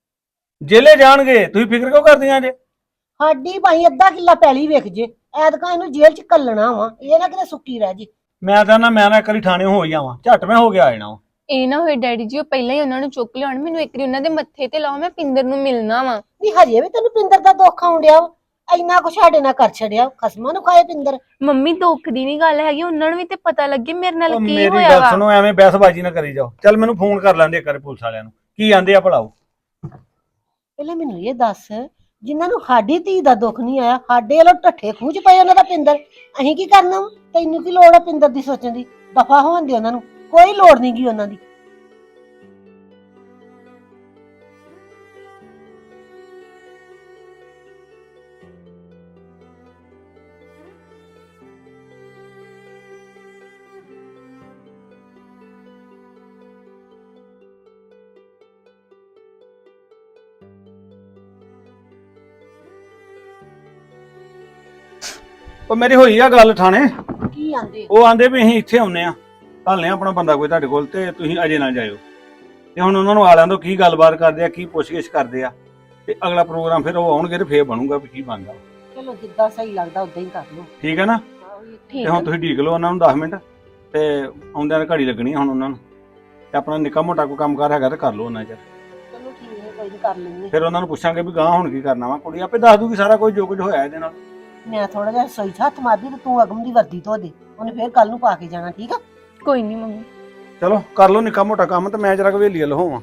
[SPEAKER 8] ਜੇਲੇ ਜਾਣਗੇ। ਤੁਸੀਂ ਫਿਕਰ ਕਿਉਂ ਕਰਦੀਆਂ ਜੇ?
[SPEAKER 7] ਸਾਡੀ ਭਾਈ ਅੱਧਾ ਕਿੱਲਾ ਪੈਲੀ ਵੇਖ ਜੇ, ਐਤਕਾਂ ਇਹਨੂੰ ਜੇਲ੍ਹ 'ਚ ਕੱਲਣਾ ਵਾ। ਇਹ ਨਾ ਕਿਤੇ ਸੁੱਕੀ ਰਹਿ ਜੇ।
[SPEAKER 8] ਮੈਂ ਤਾਂ ਨਾ ਮੈਂ ਨਾ ਇੱਕ ਵਾਰੀ ਥਾਣੇ ਹੋ ਹੀ ਜਾਵਾਂ, ਝੱਟ ਮੈਂ ਹੋ ਗਿਆ ਆ ਜਾਣਾ ਵਾ।
[SPEAKER 6] ਇਹ ਨਾ ਹੋਏ ਡੈਡੀ ਜੀ ਉਹ ਪਹਿਲਾਂ ਹੀ ਉਹਨਾਂ ਨੂੰ ਚੁੱਕ ਲਿਆਉਣ। ਮੈਨੂੰ ਇੱਕ ਵਾਰੀ ਉਹਨਾਂ ਦੇ ਮੱਥੇ ਤੇ ਲਾਓ, ਮੈਂ ਪਿੰਦਰ ਨੂੰ ਮਿਲਣਾ ਵਾ।
[SPEAKER 7] ਵੀ ਹਜੇ ਵੀ ਤੈਨੂੰ ਪਿੰਦਰ ਦਾ ਦੁੱਖ ਆਉਣ ਡਿਆ ਵਾ? ਇੰਨਾ ਕੁਛ ਸਾਡੇ ਨਾਲ ਕਰ ਛੜਿਆ, ਖਸਮਾਂ ਨੂੰ ਖਾਏ ਪਿੰਦਰ।
[SPEAKER 6] ਮੰਮੀ ਦੁੱਖ ਦੀ ਨਹੀਂ ਗੱਲ ਹੈਗੀ, ਉਹਨਾਂ ਨੂੰ ਵੀ ਤੇ ਪਤਾ ਲੱਗੇ ਮੇਰੇ ਨਾਲ
[SPEAKER 8] ਉਹ
[SPEAKER 6] ਕੀ
[SPEAKER 8] ਮੇਰੀ
[SPEAKER 6] ਹੋਇਆ
[SPEAKER 8] ਗੱਲ
[SPEAKER 6] ਵਾ।
[SPEAKER 8] ਸੁਣੋ, ਐਵੇਂ ਬਹਿਸਬਾਜ਼ੀ ਨਾ ਕਰੀ ਜਾਓ। ਚੱਲ ਮੈਨੂੰ ਫੋਨ ਕਰ ਲੈਂਦੇ ਇੱਕ ਵਾਰੀ ਪੁਲਿਸ ਵਾਲਿਆਂ ਨੂੰ, ਕੀ ਆਂਦੇ ਆ ਭਲਾਓ।
[SPEAKER 7] ਪਹਿਲਾਂ ਮੈਨੂੰ ਇਹ ਦੱਸ ਜਿਨ੍ਹਾਂ ਨੂੰ ਸਾਡੀ ਧੀ ਦਾ ਦੁੱਖ ਨਹੀਂ ਆਇਆ, ਸਾਡੇ ਵੱਲੋਂ ਢੱਠੇ ਖੂਚ ਪਏ ਉਹਨਾਂ ਦਾ ਪਿੰਦਰ। ਅਸੀਂ ਕੀ ਕਰਨਾ ਵਾ? ਤੈਨੂੰ ਕੀ ਲੋੜ ਆ ਪਿੰਦਰ ਦੀ ਸੋਚਣ ਦੀ? ਦਫਾ ਹੋਣ ਦੇ ਉਹਨਾਂ ਨੂੰ, ਕੋਈ ਲੋੜ ਨਹੀਂ ਗੀ ਉਹਨਾਂ ਦੀ।
[SPEAKER 8] ਉਹ ਮੇਰੀ ਹੋਈ ਆ ਗੱਲ ਥਾਣੇ,
[SPEAKER 7] ਕੀ ਆਂਦੇ?
[SPEAKER 8] ਉਹ ਆਂਦੇ ਵੀ ਅਸੀਂ ਇੱਥੇ ਆਉਨੇ ਆ, ਘੱਲਨੇ ਆਪਣਾ ਬੰਦਾ ਕੋਈ ਤੁਹਾਡੇ ਕੋਲ, ਤੇ ਤੁਸੀਂ ਅਜੇ ਨਾ ਜਾਇਓ। ਤੇ ਹੁਣ ਉਹਨਾਂ ਨੂੰ ਆਲਿਆਂ ਤੋਂ ਕੀ ਗੱਲਬਾਤ ਕਰਦੇ ਆ, ਕੀ ਪੁੱਛਗਿੱਛ ਕਰਦੇ ਆ, ਤੇ ਅਗਲਾ ਪ੍ਰੋਗਰਾਮ ਫਿਰ ਉਹ ਆਉਣਗੇ ਤੇ ਫੇਰ ਬਣੂਗਾ ਵੀ ਕੀ ਬਣਦਾ।
[SPEAKER 7] ਚਲੋ ਜਿੱਦਾਂ ਸਹੀ ਲੱਗਦਾ ਉਦਾਂ ਹੀ ਕਰ ਲਓ।
[SPEAKER 8] ਠੀਕ ਹੈ ਨਾ? ਤੇ ਹੁਣ ਤੁਸੀਂ ਢੀਕ ਲਓ ਉਹਨਾਂ ਨੂੰ ਦਸ ਮਿੰਟ, ਤੇ ਆਉਂਦਿਆਂ ਦੀ ਘੜੀ ਲੱਗਣੀ ਆ ਹੁਣ ਉਹਨਾਂ ਨੂੰ, ਤੇ ਆਪਣਾ ਨਿੱਕਾ ਮੋਟਾ ਕੋਈ ਕੰਮਕਾਰ ਹੈਗਾ ਤੇ ਕਰ ਲਓ ਉਹਨਾਂ ਚਿਰ।
[SPEAKER 7] ਚਲੋ ਠੀਕ ਹੈ, ਕੋਈ ਨਹੀਂ ਕਰ ਲੈਂਦੇ।
[SPEAKER 8] ਫਿਰ ਉਹਨਾਂ ਨੂੰ ਪੁੱਛਾਂਗੇ ਵੀ ਗਾਂ ਹੁਣ ਕੀ ਕਰਨਾ ਵਾ। ਕੁੜੀ ਆਪੇ ਦੱਸ ਦੂਗੀ ਸਾਰਾ ਕੁਝ ਜੋ ਕੁਝ ਹੋਇਆ ਇਹਦੇ ਨਾਲ।
[SPEAKER 7] ਮੈਂ ਥੋੜਾ ਜਿਹਾ ਸੋਈ ਹੱਥ ਮਾਰਦੀ ਤੇ ਤੂੰ ਅਗਮ ਦੀ ਵਰਦੀ ਧੋ ਦੇ, ਉਹਨੇ ਫੇਰ ਕੱਲ ਨੂੰ ਪਾ ਕੇ ਜਾਣਾ। ਠੀਕ ਆ?
[SPEAKER 6] ਕੋਈ ਨਹੀਂ ਮੰਮੀ।
[SPEAKER 8] ਚਲੋ ਕਰ ਲਓ ਨਿੱਕਾ ਮੋਟਾ ਕੰਮ, ਤੇ ਮੈਂ ਜਰਾ ਹਵੇਲੀ ਵੱਲ ਹੋਵਾਂ।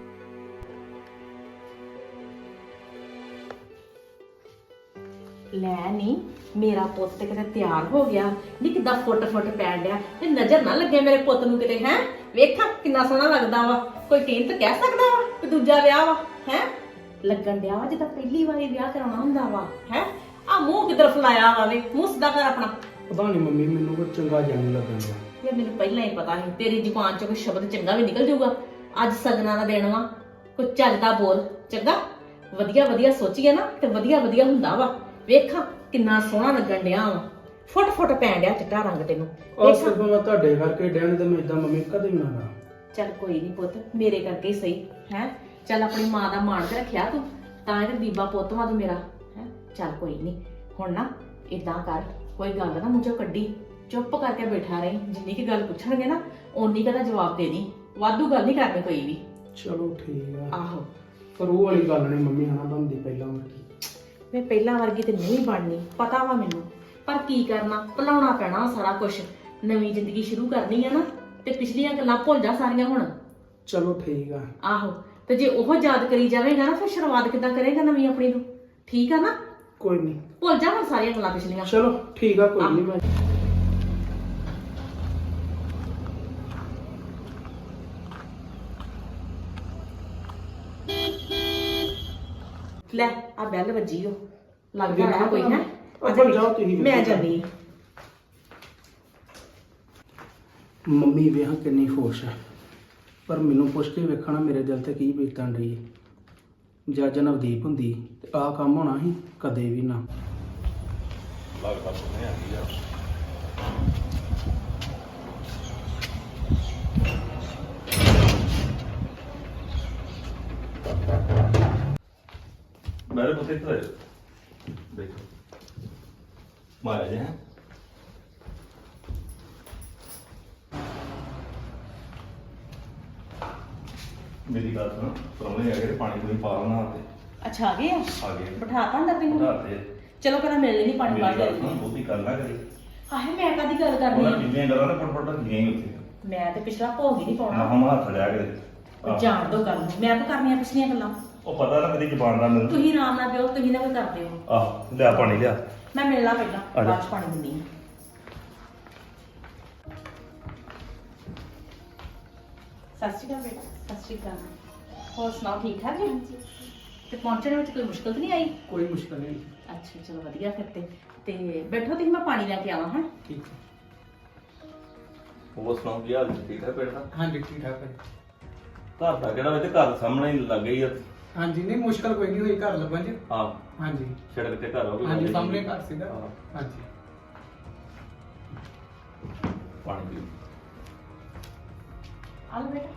[SPEAKER 5] ਲੈ ਨੀ ਮੇਰਾ ਪੁੱਤ ਤੇ ਕਿਤੇ ਤਿਆਰ ਹੋ ਗਿਆ, ਨੀ ਕਿੱਦਾਂ ਫੁੱਟ ਫੁੱਟ ਪੈਣ ਡਿਆ, ਤੇ ਨਜ਼ਰ ਨਾ ਲੱਗੇ ਮੇਰੇ ਪੁੱਤ ਨੂੰ ਕਿਤੇ। ਹੈ ਵੇਖਾਂ ਕਿੰਨਾ ਸੋਹਣਾ ਲੱਗਦਾ ਵਾ, ਕੋਈ ਟੀਨ ਤਾਂ ਕਹਿ ਸਕਦਾ ਵਾ ਕਿ ਦੂਜਾ ਵਿਆਹ ਵਾ। ਹੈ ਲੱਗਣ ਡਿਆ ਵਾ ਜਿੱਦਾਂ ਪਹਿਲੀ ਵਾਰੀ ਵਿਆਹ ਕਰਾਉਣਾ ਹੁੰਦਾ ਵਾ। ਹੈ ਆ ਮੂੰਹ ਕਿੱਧਰ ਫਲਾਇਆ ਵਾ ਵੇ, ਮੂੰਹ ਸਿੱਧਾ ਕਰ ਆਪਣਾ।
[SPEAKER 4] ਪਤਾ ਨਹੀਂ ਮੰਮੀ, ਮੈਨੂੰ ਕੋਈ ਚੰਗਾ ਜਿਹਾ ਨਹੀਂ ਲੱਗਣ ਡਿਆ।
[SPEAKER 5] ਯਾਰ ਮੈਨੂੰ ਪਹਿਲਾਂ ਹੀ ਪਤਾ ਸੀ ਤੇਰੀ ਜ਼ੁਬਾਨ ਚੋਂ ਕੋਈ ਸ਼ਬਦ ਚੰਗਾ ਵੀ ਨਿਕਲ ਜਾਊਗਾ। ਅੱਜ ਸਗਨਾਂ ਦਾ ਦਿਨ ਵਾ, ਕੋਈ ਚੱਜਦਾ ਬੋਲ ਚੰਗਾ। ਵਧੀਆ ਵਧੀਆ ਸੋਚੀਏ ਨਾ ਤੇ ਵਧੀਆ ਵਧੀਆ ਹੁੰਦਾ ਵਾ। ਵੇਖਾਂ ਕਿੰਨਾ ਸੋਹਣਾ ਲੱਗਣ ਡਿਆ ਵਾ, ਫੁੱਟ ਫੁੱਟ ਪੈਣ ਡਿਆ ਚਿੱਟਾ ਰੰਗ ਤੈਨੂੰ।
[SPEAKER 4] ਉਹ ਸਿਰਫ ਮੈਂ ਤੁਹਾਡੇ ਕਰਕੇ ਡੈਣ ਤੇ ਮੈਂ ਇਦਾਂ ਮੰਮੀ ਕਦੇ ਵੀ ਨਾ ਕਰਾਂ।
[SPEAKER 5] ਚੱਲ ਕੋਈ ਨਹੀਂ ਪੁੱਤ, ਮੇਰੇ ਕਰਕੇ ਹੀ ਸਹੀ। ਹੈ ਚੱਲ ਆਪਣੀ ਮਾਂ ਦਾ ਮਾਣ ਤੇ ਰੱਖਿਆ ਤੂੰ, ਤਾਂ ਇਹ ਬੀਬਾ ਪੁੱਤ ਵਾ ਤੂੰ ਮੇਰਾ। ਹੈ ਚੱਲ ਕੋਈ ਨਹੀਂ, ਹੁਣ ਨਾ ਇਦਾਂ ਕਰ, ਕੋਈ ਗੱਲ ਨਾ ਮੂੰਹ ਚੋਂ ਕੱਢੀ, ਚੁੱਪ ਕਰਕੇ ਬੈਠਾ ਰਹੀ। ਜਿੰਨੀ ਕੀ ਗੱਲ ਪੁੱਛਣਗੇ ਨਾ ਓਨੀ ਕਦਾ ਜਵਾਬ ਦੇ ਦੀ, ਵਾਧੂ ਗੱਲ ਨਹੀਂ ਕਰਨੀ ਕੋਈ ਵੀ।
[SPEAKER 4] ਚਲੋ ਠੀਕ ਆ।
[SPEAKER 5] ਆਹੋ
[SPEAKER 4] ਪਰ ਉਹ ਵਾਲੀ ਗੱਲ ਨਹੀਂ ਮੰਮੀ ਹਨਾ ਬਣਦੀ ਪਹਿਲਾਂ ਵਰਗੀ।
[SPEAKER 5] ਮੈਂ ਪਹਿਲਾਂ ਵਰਗੀ ਤੇ ਨਹੀਂ ਬਣਨੀ, ਪਤਾ ਵਾ ਮੈਨੂੰ, ਪਰ ਕੀ ਕਰਨਾ, ਭੁਲਾਉਣਾ ਪੈਣਾ ਸਾਰਾ ਕੁਝ। ਨਵੀਂ ਜ਼ਿੰਦਗੀ ਸ਼ੁਰੂ ਕਰਨੀ ਆ ਨਾ, ਤੇ ਪਿਛਲੀਆਂ ਗੱਲਾਂ ਭੁੱਲ ਜਾ ਸਾਰੀਆਂ ਹੁਣ।
[SPEAKER 4] ਚਲੋ ਠੀਕ ਆ।
[SPEAKER 5] ਆਹੋ ਤੇ ਜੇ ਉਹ ਯਾਦ ਕਰੀ ਜਾਵੇਗਾ ਨਾ, ਫਿਰ ਸ਼ੁਰੂਆਤ ਕਿੱਦਾਂ ਕਰੇਗਾ ਨਵੀਂ ਆਪਣੀ ਨੂੰ? ਠੀਕ ਆ ਨਾ?
[SPEAKER 4] ਕੋਈ ਨਹੀਂ,
[SPEAKER 5] ਭੁੱਲ ਜਾ ਹੁਣ ਸਾਰੀਆਂ ਗੱਲਾਂ ਪਿਛਲੀਆਂ।
[SPEAKER 4] ਚਲੋ ਠੀਕ ਆ, ਕੋਈ ਨਹੀਂ। ਮੈਂ
[SPEAKER 5] ਲੈ ਆ ਬੈਲ ਵੱਜੀ ਓ, ਲੱਗਦਾ ਹੈ ਕੋਈ। ਹੈ
[SPEAKER 4] ਅੱਛਾ ਜਾਓ ਤੁਸੀਂ।
[SPEAKER 5] ਮੈਂ ਜਾਨੀ।
[SPEAKER 4] ਮੰਮੀ ਵੇਖ ਕਿੰਨੀ ਖੁਸ਼ ਹੈ, ਪਰ ਮੈਨੂੰ ਪੁੱਛ ਕੇ ਵੇਖਣਾ ਮੇਰੇ ਦਿਲ ਤੇ ਕੀ ਬੀਤਣ ਰਹੀ ਹੈ। ਜੇ ਅੱਜ ਨਵਦੀਪ ਹੁੰਦੀ ਤੇ ਆਹ ਕੰਮ ਹੋਣਾ ਸੀ? ਕਦੇ ਵੀ ਨਾ।
[SPEAKER 1] ਲੱਗਦਾ ਸੁਣਿਆ ਆ ਗਈ ਯਾਰ। ਮੇਰੇ ਪੁੱਤੇ ਇੱਧਰ ਆਇਓ, ਦੇਖੋ ਮਾਇਆ ਜੀ। ਹੈ ਮੇਰੀ ਗੱਲ ਸੁਣ, ਪਰੌਣੇ ਆ ਗਏ, ਪਾਣੀ ਪੂਣੀ ਪਾ ਲੈਣਾ ਤੇ
[SPEAKER 5] ਅੱਛਾ ਆ ਗਏ ਆ?
[SPEAKER 1] ਆ ਗਏ
[SPEAKER 5] ਬਿਠਾ ਤਾ ਅੰਦਰ ਤੈਨੂੰ?
[SPEAKER 1] ਬਣਾ ਤੇ।
[SPEAKER 5] ਚਲੋ ਪਹਿਲਾਂ ਮਿਲ ਲੈਣੀ ਪਾਣੀ
[SPEAKER 1] ਮੇਰੀ
[SPEAKER 5] ਬਾਅਦ
[SPEAKER 1] ਗੱਲ
[SPEAKER 5] ਲੈ
[SPEAKER 1] ਸੁਣ, ਬਹੁਤੀ ਗੱਲ ਨਾ ਕਰੀ।
[SPEAKER 5] ਆਹੇ ਮੈਂ ਕਾਦੀ ਗੱਲ ਕਰਨੀ
[SPEAKER 1] ਉਹਨਾਂ
[SPEAKER 5] ਆ?
[SPEAKER 1] ਜਿੰਨੀਆਂ ਗੱਲਾਂ ਨਾ ਫਟ ਫਟ ਗਈਆਂ ਹੀ ਉੱਥੇ।
[SPEAKER 5] ਮੈਂ ਤੇ ਪਿਛਲਾ ਭੋਗ ਹੀ ਨਹੀਂ ਪਾਉਣਾ।
[SPEAKER 1] ਮਹਾਂ ਹੱਥ ਲਿਆ ਕੇ
[SPEAKER 5] ਜਾਣ ਦੋ ਗੱਲ ਨੂੰ, ਮੈਂ ਤਾਂ ਕਰਨੀਆਂ ਪਿਛਲੀਆਂ ਗੱਲਾਂ।
[SPEAKER 1] ਉਹ ਪਤਾ ਨਾ ਮੇਰੀ ਜ਼ਬਾਨ ਦਾ ਮੈਨੂੰ।
[SPEAKER 5] ਤੁਸੀਂ ਆਰਾਮ ਨਾਲ ਪਿਓ, ਤੁਸੀਂ ਨਾ ਕੋਈ ਕਰਦੇ ਹੋ।
[SPEAKER 1] ਆਹ ਲਿਆ ਪਾਣੀ ਲਿਆ।
[SPEAKER 5] ਮੈਂ ਮਿਲਣਾ ਪਹਿਲਾਂ,
[SPEAKER 1] ਆ ਜਾ।
[SPEAKER 5] ਬਾਅਦ ਚ ਪਾਣੀ ਦਿੰਦੀ ਹਾਂ। ਸਤਿ ਸ਼੍ਰੀ ਅਕਾਲ ਬੇਟਾ। ਸਤਿ ਸ਼੍ਰੀ ਅਕਾਲ। ਹੋਰ ਸੁਣਾਓ, ਠੀਕ ਠਾਕ ਜੀ? ਤੇ ਪਹੁੰਚਣ ਵਿੱਚ ਕੋਈ ਮੁਸ਼ਕਲ ਤਾਂ ਨਹੀਂ ਆਈ?
[SPEAKER 4] ਕੋਈ ਮੁਸ਼ਕਲ ਨਹੀਂ।
[SPEAKER 5] ਅੱਛਾ ਚਲੋ ਵਧੀਆ ਫਿਰ ਤੇ ਤੇ ਬੈਠੋ, ਤੁਸੀਂ ਮੈਂ ਪਾਣੀ ਲੈ ਕੇ ਆਵਾਂ। ਹਾਂ
[SPEAKER 4] ਠੀਕ ਹੈ।
[SPEAKER 1] ਉਹ ਸੁਣਾਓ ਕੀ ਹਾਲ ਜੀ? ਠੀਕ ਹੈ ਪਿੰਡ ਦਾ?
[SPEAKER 4] ਹਾਂਜੀ ਠੀਕ ਠਾਕ ਹੈ।
[SPEAKER 1] ਘਰ ਦਾ ਕਿਹੜਾ ਵਿੱਚ ਘਰ ਸਾਹਮਣੇ ਹੀ ਲੱਗ ਗਈ ਆ।
[SPEAKER 4] ਹਾਂਜੀ ਨਹੀਂ ਮੁਸ਼ਕਲ ਕੋਈ ਨਹੀਂ ਹੋਈ ਘਰ ਲੱਭਣ ਚ।
[SPEAKER 1] ਹਾਂ
[SPEAKER 4] ਹਾਂਜੀ
[SPEAKER 1] ਸੜਕ ਤੇ ਘਰ ਹੋ
[SPEAKER 4] ਹਾਂਜੀ ਸਾਹਮਣੇ ਘਰ ਸੀਗਾ।
[SPEAKER 1] ਹਾਂ।
[SPEAKER 4] ਹਾਂਜੀ
[SPEAKER 1] ਪਾਣੀ ਪੀਓ।
[SPEAKER 5] ਆ ਲਓ ਬੇਟਾ।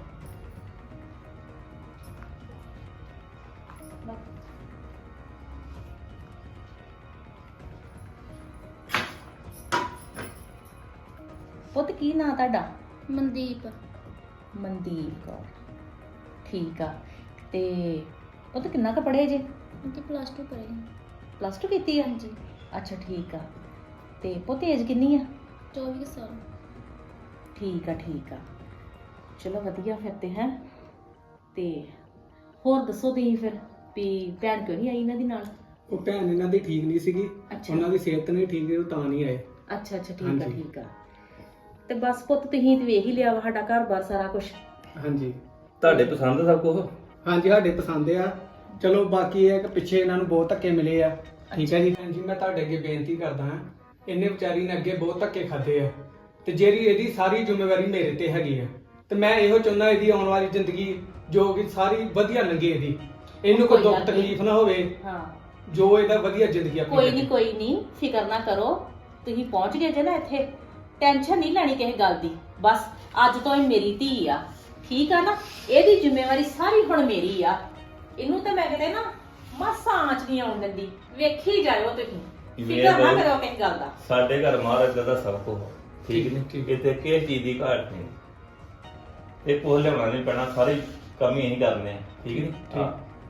[SPEAKER 5] ਪੁੱਤ ਕੀ ਨਾਂ ਤੁਹਾਡਾ?
[SPEAKER 3] ਮਨਦੀਪ।
[SPEAKER 5] ਮਨਦੀਪ ਕੌਰ। ਠੀਕ ਆ। ਤੇ ਪੁੱਤ ਕਿੰਨਾ ਕੁ ਪੜ੍ਹੇ ਜੇ?
[SPEAKER 3] ਤੇ ਪਲੱਸ ਟੂ ਕਰੀ।
[SPEAKER 5] ਪਲੱਸ ਟੂ ਕੀਤੀ ਆ?
[SPEAKER 3] ਹਾਂਜੀ।
[SPEAKER 5] ਅੱਛਾ ਠੀਕ ਆ। ਤੇ ਪੁੱਤ ਏਜ ਕਿੰਨੀ ਆ?
[SPEAKER 3] ਚੌਵੀ ਸਾਲ।
[SPEAKER 5] ਠੀਕ ਆ ਠੀਕ ਆ, ਚਲੋ ਵਧੀਆ ਫਿਰ ਤੇ। ਹੈ ਤੇ ਹੋਰ ਦੱਸੋ ਤੁਸੀਂ ਫਿਰ ਵੀ ਭੈਣ ਕਿਉਂ ਨਹੀਂ ਆਈ ਇਹਨਾਂ ਦੀ ਨਾਲ?
[SPEAKER 4] ਉਹ ਭੈਣ ਇਹਨਾਂ ਦੀ ਠੀਕ ਨਹੀਂ ਸੀਗੀ,
[SPEAKER 5] ਅੱਛਾ।
[SPEAKER 4] ਉਹਨਾਂ ਦੀ ਸਿਹਤ ਨਹੀਂ ਠੀਕ ਸੀ, ਉਹ ਤਾਂ ਨਹੀਂ ਆਏ।
[SPEAKER 5] ਅੱਛਾ ਅੱਛਾ ਠੀਕ ਆ
[SPEAKER 4] ਹਾਂਜੀ।
[SPEAKER 5] ਠੀਕ ਆ। ਤੇ ਬਸ ਪੁੱਤ ਤੁਸੀਂ ਤੇ ਵੇਖ ਹੀ ਲਿਆ ਵਾ ਸਾਡਾ ਘਰ-ਬਾਰ ਸਾਰਾ ਕੁਝ।
[SPEAKER 4] ਹਾਂਜੀ
[SPEAKER 1] ਤੁਹਾਡੇ ਪਸੰਦ ਸਭ ਕੁਝ?
[SPEAKER 4] ਹਾਂਜੀ ਸਾਡੇ ਪਸੰਦ ਆ। ਚਲੋ ਬਾਕੀ ਇਹ ਹੈ ਕਿ ਪਿੱਛੇ ਇਹਨਾਂ ਨੂੰ ਬਹੁਤ ਧੱਕੇ ਮਿਲੇ ਆ। ਠੀਕ ਹੈ ਜੀ ਭੈਣ ਜੀ, ਮੈਂ ਤੁਹਾਡੇ ਅੱਗੇ ਬੇਨਤੀ ਕਰਦਾ ਹਾਂ, ਇਹਨੇ ਵਿਚਾਰੀ ਨੇ ਅੱਗੇ ਬਹੁਤ ਧੱਕੇ ਖਾਦੇ ਆ ਤੇ ਜਿਹੜੀ ਇਹਦੀ ਸਾਰੀ ਜ਼ਿੰਮੇਵਾਰੀ ਮੇਰੇ ਤੇ ਹੈਗੀ ਆ, ਤੇ ਮੈਂ ਇਹੋ ਚਾਹੁੰਦਾ ਇਹਦੀ ਆਉਣ ਵਾਲੀ ਜ਼ਿੰਦਗੀ ਜੋ ਕਿ ਸਾਰੀ ਵਧੀਆ ਲੰਘੇ, ਇਹਦੀ ਇਹਨੂੰ ਕੋਈ
[SPEAKER 5] ਕੋਈ
[SPEAKER 4] ਦੁੱਖ
[SPEAKER 5] ਗੱਲ ਨਹੀਂ।
[SPEAKER 4] ਤਕਲੀਫ ਨਾ ਹੋਵੇ,
[SPEAKER 5] ਹਾਂ
[SPEAKER 4] ਜੋ ਇਹਦਾ ਵਧੀਆ ਜ਼ਿੰਦਗੀ ਆਪਣੀ
[SPEAKER 5] ਕੋਈ
[SPEAKER 4] ਕੱਟੇ।
[SPEAKER 5] ਨਹੀਂ ਕੋਈ ਨਹੀਂ, ਫਿਕਰ ਨਾ ਕਰੋ। ਤੁਸੀਂ ਪਹੁੰਚ ਗਏ ਜੇ ਨਾ ਇੱਥੇ, ਟੈਨਸ਼ਨ ਨਹੀਂ ਲੈਣੀ ਕਿਸੇ ਗੱਲ ਦੀ। ਬਸ ਅੱਜ ਤੋਂ ਇਹ ਮੇਰੀ ਧੀ ਆ, ਠੀਕ ਆ ਨਾ? ਇਹਦੀ ਜ਼ਿੰਮੇਵਾਰੀ ਸਾਰੀ ਹੁਣ ਮੇਰੀ ਆ। ਇਹਨੂੰ ਤੇ ਮੈਂ ਕਿਤੇ ਨਾ ਮਾਸਾ ਆਂਚ ਨਹੀਂ ਆਉਣ ਦਿੰਦੀ। ਵੇਖੀ ਜਾਇਓ ਤੁਸੀਂ, ਫਿਕਰ ਨਾ ਕਰੋ ਕਿਸੇ ਗੱਲ ਦਾ।
[SPEAKER 1] ਸਾਡੇ ਘਰ ਮਹਾਰਾਜ ਦਾ ਸਭ ਕੁਝ ਠੀਕ
[SPEAKER 4] ਠੀਕ,
[SPEAKER 1] ਨਹੀਂ,
[SPEAKER 4] ਠੀਕ।
[SPEAKER 1] ਕਿਤੇ ਕਿਸੇ ਚੀਜ਼ ਦੀ ਘਾਟ ਨਹੀਂ। ਇਹ ਕੋਲ ਲਿਆਉਣਾ ਨਹੀਂ ਪੈਣਾ, ਸਾਰੀ ਕੰਮ ਹੀ ਅਸੀਂ ਕਰਨੇ ਆ, ਠੀਕ ਨਹੀਂ? ਹਾਂ।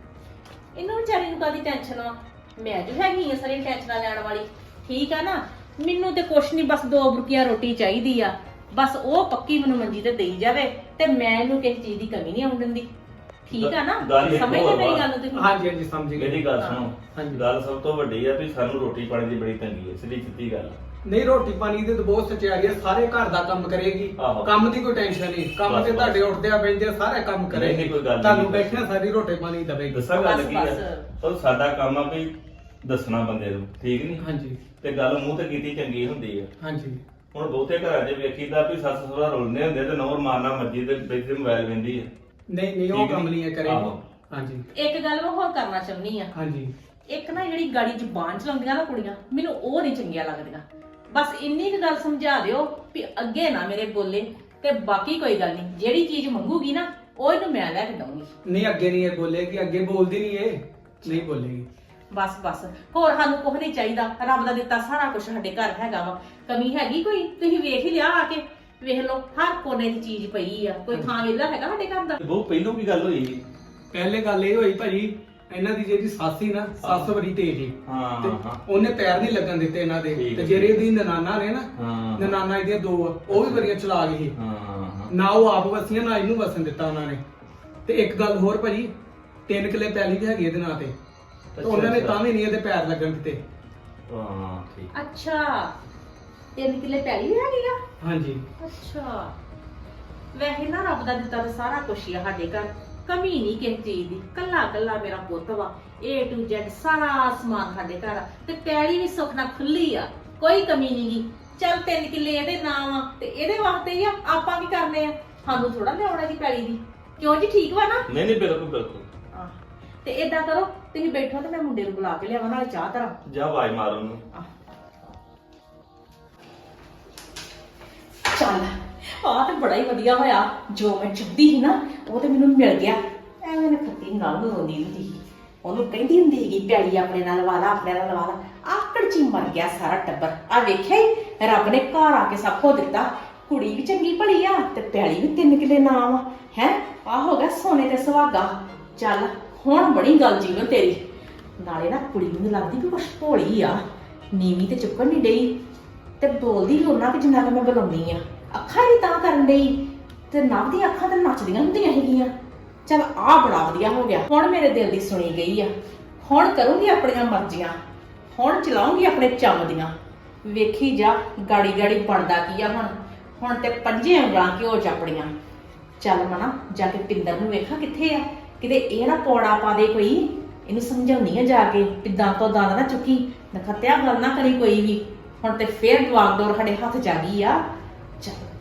[SPEAKER 5] ਇਹਨੂੰ ਵਿਚਾਰੀ ਨੂੰ ਕਾਦੀ ਟੈਨਸ਼ਨ ਆ? ਮੈਂ ਜੋ ਹੈਗੀ ਆ ਸਾਰੀ ਟੈਨਸ਼ਨਾਂ ਲੈਣ ਵਾਲੀ, ਠੀਕ ਆ ਨਾ? ਮੈਨੂੰ ਤੇ ਕੁਛ ਨਹੀਂ, ਬਸ ਦੋ ਬੁਰਕੀਆਂ ਰੋਟੀ ਚਾਹੀਦੀ ਆ। ਬਸ ਉਹ ਪੱਕੀ ਮੈਨੂੰ ਮੰਜੀ ਤੇ ਦੇਈ ਜਾਵੇ ਤੇ ਮੈਂ ਇਹਨੂੰ ਕਿਸੇ ਚੀਜ਼ ਦੀ ਕਮੀ ਨਹੀਂ ਆਉਣ ਦਿੰਦੀ, ਠੀਕ ਆ ਨਾ?
[SPEAKER 1] ਗੱਲ ਇੱਕ
[SPEAKER 5] ਸਮਝਦੇ
[SPEAKER 1] ਹੋਰ
[SPEAKER 5] ਮੇਰੀ
[SPEAKER 1] ਵਾ।
[SPEAKER 5] ਗੱਲ ਨੂੰ ਤੁਸੀਂ?
[SPEAKER 4] ਹਾਂਜੀ ਹਾਂਜੀ ਸਮਝ ਗਏ।
[SPEAKER 1] ਮੇਰੀ ਗੱਲ
[SPEAKER 5] ਹਾਂ।
[SPEAKER 1] ਸੁਣੋ,
[SPEAKER 4] ਹਾਂਜੀ।
[SPEAKER 1] ਗੱਲ ਸਭ ਤੋਂ ਵੱਡੀ ਆ ਵੀ ਸਾਨੂੰ ਰੋਟੀ ਪਾਣੀ ਦੀ ਬੜੀ ਤੰਗੀ ਹੈ, ਸਿੱਧੀ ਸਿੱਧੀ ਗੱਲ।
[SPEAKER 4] ਨਹੀਂ ਰੋਟੀ ਪਾਣੀ ਦੀ ਤਾਂ ਬਹੁਤ ਸਚਾਈ ਹੈ, ਸਾਰੇ ਘਰ ਦਾ ਕੰਮ ਕਰੇਗੀ,
[SPEAKER 1] ਆਹੋ।
[SPEAKER 4] ਕੰਮ ਦੀ ਕੋਈ ਟੈਨਸ਼ਨ ਨਹੀਂ। ਕੰਮ
[SPEAKER 1] ਬਸ,
[SPEAKER 4] ਤੇ
[SPEAKER 1] ਬਸ।
[SPEAKER 4] ਤੁਹਾਡੇ ਉੱਠਦੇ ਆ ਬੈਠਦੇ ਆ ਸਾਰੇ ਕੰਮ
[SPEAKER 1] ਨਹੀਂ,
[SPEAKER 4] ਕਰੇਗੀ,
[SPEAKER 1] ਨਹੀਂ, ਕੋਈ ਗੱਲ ਨਹੀਂ।
[SPEAKER 4] ਤੁਹਾਨੂੰ ਬੈਠਿਆ ਸਾਰੀ ਰੋਟੀ ਪਾਣੀ ਦੇਵੇਗੀ।
[SPEAKER 1] ਦੱਸਾਂ ਗੱਲ
[SPEAKER 5] ਬਸ,
[SPEAKER 1] ਕੀ ਆ?
[SPEAKER 5] ਬਸ।
[SPEAKER 1] ਉਹ ਸਾਡਾ ਕੰਮ ਆ ਵੀ ਦੱਸਣਾ ਬੰਦੇ ਨੂੰ, ਠੀਕ ਨਹੀਂ?
[SPEAKER 4] ਹਾਂਜੀ
[SPEAKER 1] ਤੇ ਗੱਲ ਮੂੰਹ ਤੇ ਕੀਤੀ ਚੰਗੀ ਹੁੰਦੀ ਆ।
[SPEAKER 4] ਹਾਂਜੀ
[SPEAKER 1] ਹੁਣ ਬਹੁਤੇ ਘਰਾਂ 'ਚ ਵੇਖੀਦਾ ਵੀ ਸੱਸ ਸਹੁਰਾ ਰੁਲਨੇ ਹੁੰਦੇ ਤੇ ਨੌਰ ਮਾਰਨਾ ਮੱਜੀ ਤੇ ਬੈਠੇ ਮੋਬਾਈਲ ਵੇਂਦੀ ਆ।
[SPEAKER 4] ਨਹੀਂ ਨਹੀਂ ਉਹ
[SPEAKER 1] ਠੀਕ
[SPEAKER 4] ਕੰਮ
[SPEAKER 1] ਨੀ?
[SPEAKER 4] ਨਹੀਂ ਹੈ ਕਰੇਗੀ।
[SPEAKER 1] ਆਹੋ।
[SPEAKER 4] ਹਾਂਜੀ
[SPEAKER 5] ਇੱਕ ਗੱਲ ਮੈਂ ਹੋਰ ਕਰਨਾ ਚਾਹੁੰਦੀ ਆ।
[SPEAKER 4] ਹਾਂਜੀ
[SPEAKER 5] ਇੱਕ ਨਾ ਜਿਹੜੀ ਗਾੜੀ ਜ਼ੁਬਾਨ ਚਲਾਉਂਦੀਆਂ ਨਾ ਕੁੜੀਆਂ, ਮੈਨੂੰ ਉਹ ਨਹੀਂ ਚੰਗੀਆਂ ਲੱਗਦੀਆਂ। ਬਸ ਇੰਨੀ ਕੁ ਗੱਲ ਸਮਝਾ ਦਿਓ ਵੀ ਅੱਗੇ ਨਾ ਮੇਰੇ ਬੋਲੇ, ਤੇ ਬਾਕੀ ਕੋਈ ਗੱਲ ਨਹੀਂ। ਜਿਹੜੀ ਚੀਜ਼ ਮੰਗੂਗੀ ਨਾ ਉਹ ਇਹਨੂੰ ਮੈਂ ਲੈ ਕੇ ਦਊਂਗੀ।
[SPEAKER 4] ਨਹੀਂ ਅੱਗੇ ਨਹੀਂ ਇਹ ਬੋਲੇਗੀ, ਅੱਗੇ ਬੋਲਦੀ ਨਹੀਂ ਇਹ, ਨਹੀਂ ਬੋਲੇਗੀ।
[SPEAKER 5] ਬਸ ਬਸ, ਹੋਰ ਸਾਨੂੰ ਕੁਝ ਨਹੀਂ ਚਾਹੀਦਾ। ਰੱਬ ਦਾ ਦਿੱਤਾ ਸਾਰਾ ਕੁਝ ਸਾਡੇ ਘਰ ਹੈਗਾ ਵਾ। ਕਮੀ ਹੈਗੀ ਕੋਈ? ਤੁਸੀਂ ਵੇਖ ਹੀ ਲਿਆ ਆ ਕੇ, ਵੇਖ ਲਓ ਹਰ ਕੋਨੇ ਦੀ ਚੀਜ਼ ਪਈ ਆ। ਕੋਈ ਥਾਂ ਵਿਹਲਾ ਹੈਗਾ ਸਾਡੇ ਘਰ ਦਾ?
[SPEAKER 1] ਤੇ ਬਹੁਤ ਪਹਿਲੋਂ ਕੀ ਗੱਲ ਹੋਈ?
[SPEAKER 4] ਪਹਿਲੇ ਗੱਲ ਇਹ ਹੋਈ ਭਾਜੀ, ਇਹਨਾਂ ਦੀ ਜਿਹੜੀ ਸੱਸ ਸੀ ਨਾ, ਸੱਸ ਬੜੀ ਤੇਜ਼ ਸੀ
[SPEAKER 1] ਹਾਂ
[SPEAKER 4] ਤੇ
[SPEAKER 1] ਹਾਂ
[SPEAKER 4] ਉਹਨੇ ਪੈਰ ਨਹੀਂ ਲੱਗਣ ਦਿੱਤੇ ਇਹਨਾਂ ਦੇ।
[SPEAKER 1] ਠੀਕ
[SPEAKER 4] ਤੇ
[SPEAKER 1] ਹੈ।
[SPEAKER 4] ਜਿਹੜੇ ਇਹਦੀ ਨਨਾਨਾ ਨੇ ਨਾ,
[SPEAKER 1] ਹਾਂ
[SPEAKER 4] ਨਨਾਨਾ ਇਹਦੀਆਂ ਦੋ ਆ, ਉਹ ਵੀ ਬੜੀਆਂ ਚਲਾ ਗਈ ਸੀ।
[SPEAKER 1] ਹਾਂ ਹਾਂ
[SPEAKER 4] ਨਾ ਉਹ ਆਪ ਵਸੀਆਂ ਨਾ ਇਹਨੂੰ ਵਸਣ ਦਿੱਤਾ ਉਹਨਾਂ ਨੇ। ਤੇ ਇੱਕ ਗੱਲ ਹੋਰ ਭਾਜੀ, ਤਿੰਨ ਕਿੱਲੇ ਪੈਲੀ ਵੀ ਹੈਗੀ ਇਹਦੇ ਨਾਂ ਤੇ, ਤੇ ਉਹਨਾਂ ਨੇ ਤਾਂ ਵੀ ਨਹੀਂ ਇਹਦੇ ਪੈਰ ਲੱਗਣ ਦਿੱਤੇ।
[SPEAKER 1] ਹਾਂ ਠੀਕ।
[SPEAKER 5] ਅੱਛਾ, ਤਿੰਨ ਕਿੱਲੇ ਪੈਲੀ ਵੀ ਹੈਗੀ ਆ?
[SPEAKER 4] ਹਾਂਜੀ
[SPEAKER 5] ਅੱਛਾ, ਵੈਸੇ ਨਾ ਰੱਬ ਦਾ ਦਿੱਤਾ ਤਾਂ ਸਾਰਾ ਕੁਝ ਹੀ ਆ ਸਾਡੇ ਘਰ। ਕਮੀ ਨਹੀਂ ਕਿਸੇ ਚੀਜ਼ ਦੀ। ਕੱਲਾ ਕੱਲਾ ਮੇਰਾ ਪੁੱਤ ਵਾ, A to Z ਸਾਰਾ ਸਮਾਨ ਸਾਡੇ ਘਰ ਆ। ਤੇ ਪੈਲੀ ਵੀ ਸੁੱਖ ਨਾਲ ਖੁੱਲੀ ਆ, ਕੋਈ ਕਮੀ ਨਹੀਂਗੀ। ਚੱਲ ਤਿੰਨ ਕਿੱਲੇ ਇਹਦੇ ਨਾਮ ਆ ਤੇ ਇਹਦੇ ਵਾਸਤੇ ਹੀ ਆ। ਆਪਾਂ ਕੀ ਕਰਨੇ ਆ? ਸਾਨੂੰ ਥੋੜਾ ਲਿਆਉਣਾ ਜੀ ਪੈਲੀ ਦੀ। ਕਿਉਂ ਜੀ, ਠੀਕ ਵਾ ਨਾ?
[SPEAKER 1] ਨਹੀਂ ਨਹੀਂ ਬਿਲਕੁਲ ਬਿਲਕੁਲ।
[SPEAKER 5] ਆਹ, ਤੇ ਏਦਾਂ ਕਰੋ, ਤੁਸੀਂ ਬੈਠੋ ਤੇ ਮੈਂ ਮੁੰਡੇ ਨੂੰ ਬੁਲਾ ਕੇ ਲਿਆਵਾਂ, ਨਾਲ ਚਾਹ ਧਰਾਂ।
[SPEAKER 1] ਜਾ ਆਵਾਜ਼ ਮਾਰ ਉਹਨੂੰ।
[SPEAKER 5] ਚੱਲ, ਆਹ ਤੇ ਬੜਾ ਹੀ ਵਧੀਆ ਹੋਇਆ। ਜੋ ਮੈਂ ਚੁੱਪਦੀ ਸੀ ਨਾ, ਉਹ ਤੇ ਮੈਨੂੰ ਮਿਲ ਗਿਆ। ਐਵੇਂ ਨਾ ਖੱਤੀ ਨਾਲ ਨੂੰ ਰੋਂਦੀ ਹੁੰਦੀ ਸੀ। ਉਹਨੂੰ ਕਹਿੰਦੀ ਹੁੰਦੀ ਸੀਗੀ ਪੈਲੀ ਆਪਣੇ ਨਾਲ ਲਵਾ ਲਾ, ਆਪਣੇ ਨਾਲ ਲਵਾ ਲਾ। ਆਕੜ ਚ ਹੀ ਮਰ ਗਿਆ ਸਾਰਾ ਟੱਬਰ। ਆ ਵੇਖਿਆ ਹੀ, ਰੱਬ ਨੇ ਘਰ ਆ ਕੇ ਸਭ ਕੁਝ ਦਿੱਤਾ। ਕੁੜੀ ਵੀ ਚੰਗੀ ਭਲੀ ਆ ਤੇ ਪੈਲੀ ਵੀ ਤਿੰਨ ਕਿੱਲੇ ਨਾਮ ਆ। ਹੈ ਆ ਹੋ ਗਿਆ ਸੋਨੇ ਤੇ ਸੁਹਾਗਾ। ਚੱਲ ਹੁਣ ਬੜੀ ਗੱਲ ਜੀਵਨ ਤੇਰੀ। ਨਾਲੇ ਨਾ ਕੁੜੀ ਨੂੰ ਲੱਗਦੀ ਵੀ ਕੁਛ ਭੋਲੀ ਆ, ਨੀਵੀਂ ਤੇ ਚੁੱਕਣ ਨਹੀਂ ਡਈ ਤੇ ਬੋਲਦੀ ਵੀ ਉਹਨਾਂ ਕਿ ਜਿੰਨਾ ਕਿ ਮੈਂ ਬੁਲਾਉਂਦੀ ਆ। ਅੱਖਾਂ ਹੀ ਤਾਂ ਕਰਨ ਡਈ ਤੇ ਨਵ ਦੀਆਂ ਅੱਖਾਂ ਤਾਂ ਨੱਚਦੀਆਂ ਹੁੰਦੀਆਂ ਹੈਗੀਆਂ। ਚੱਲ ਆ ਬੜਾ ਵਧੀਆ ਹੋ ਗਿਆ। ਹੁਣ ਮੇਰੇ ਦਿਲ ਦੀ ਸੁਣੀ ਗਈ ਆ। ਹੁਣ ਕਰੂੰਗੀ ਆਪਣੀਆਂ ਮਰਜ਼ੀਆਂ, ਹੁਣ ਚਲਾਉਂਗੀ ਆਪਣੇ ਚੰਮ ਦੀਆਂ। ਵੇਖੀ ਜਾ ਗਾੜੀ ਗਾੜੀ ਬਣਦਾ ਕੀ ਆ। ਹੁਣ ਹੁਣ ਤੇ ਪੰਜੇ ਉਂਗਲਾਂ ਘਿਓ ਚਾਪੜੀਆਂ। ਚੱਲ ਮਨਾ ਜਾ ਕੇ ਪਿੰਦਰ ਨੂੰ ਵੇਖਾਂ ਕਿੱਥੇ ਆ, ਕਿਤੇ ਇਹ ਨਾ ਪੌੜਾ ਪਾ ਦੇ ਕੋਈ। ਇਹਨੂੰ ਸਮਝਾਉਣੀ ਆ ਜਾ ਕੇ, ਪਿੱਦਾਂ ਤੋਂ ਦੰਦ ਨਾ ਚੁੱਕੀ, ਨਖੱਤਿਆ ਗੱਲ ਨਾ ਕਰੀ ਕੋਈ ਵੀ। ਹੁਣ ਤੇ ਫੇਰ ਜਵਾਕ ਡੋਰ ਸਾਡੇ ਹੱਥ ਜਾ ਗਈ ਆ। ਚੱਲ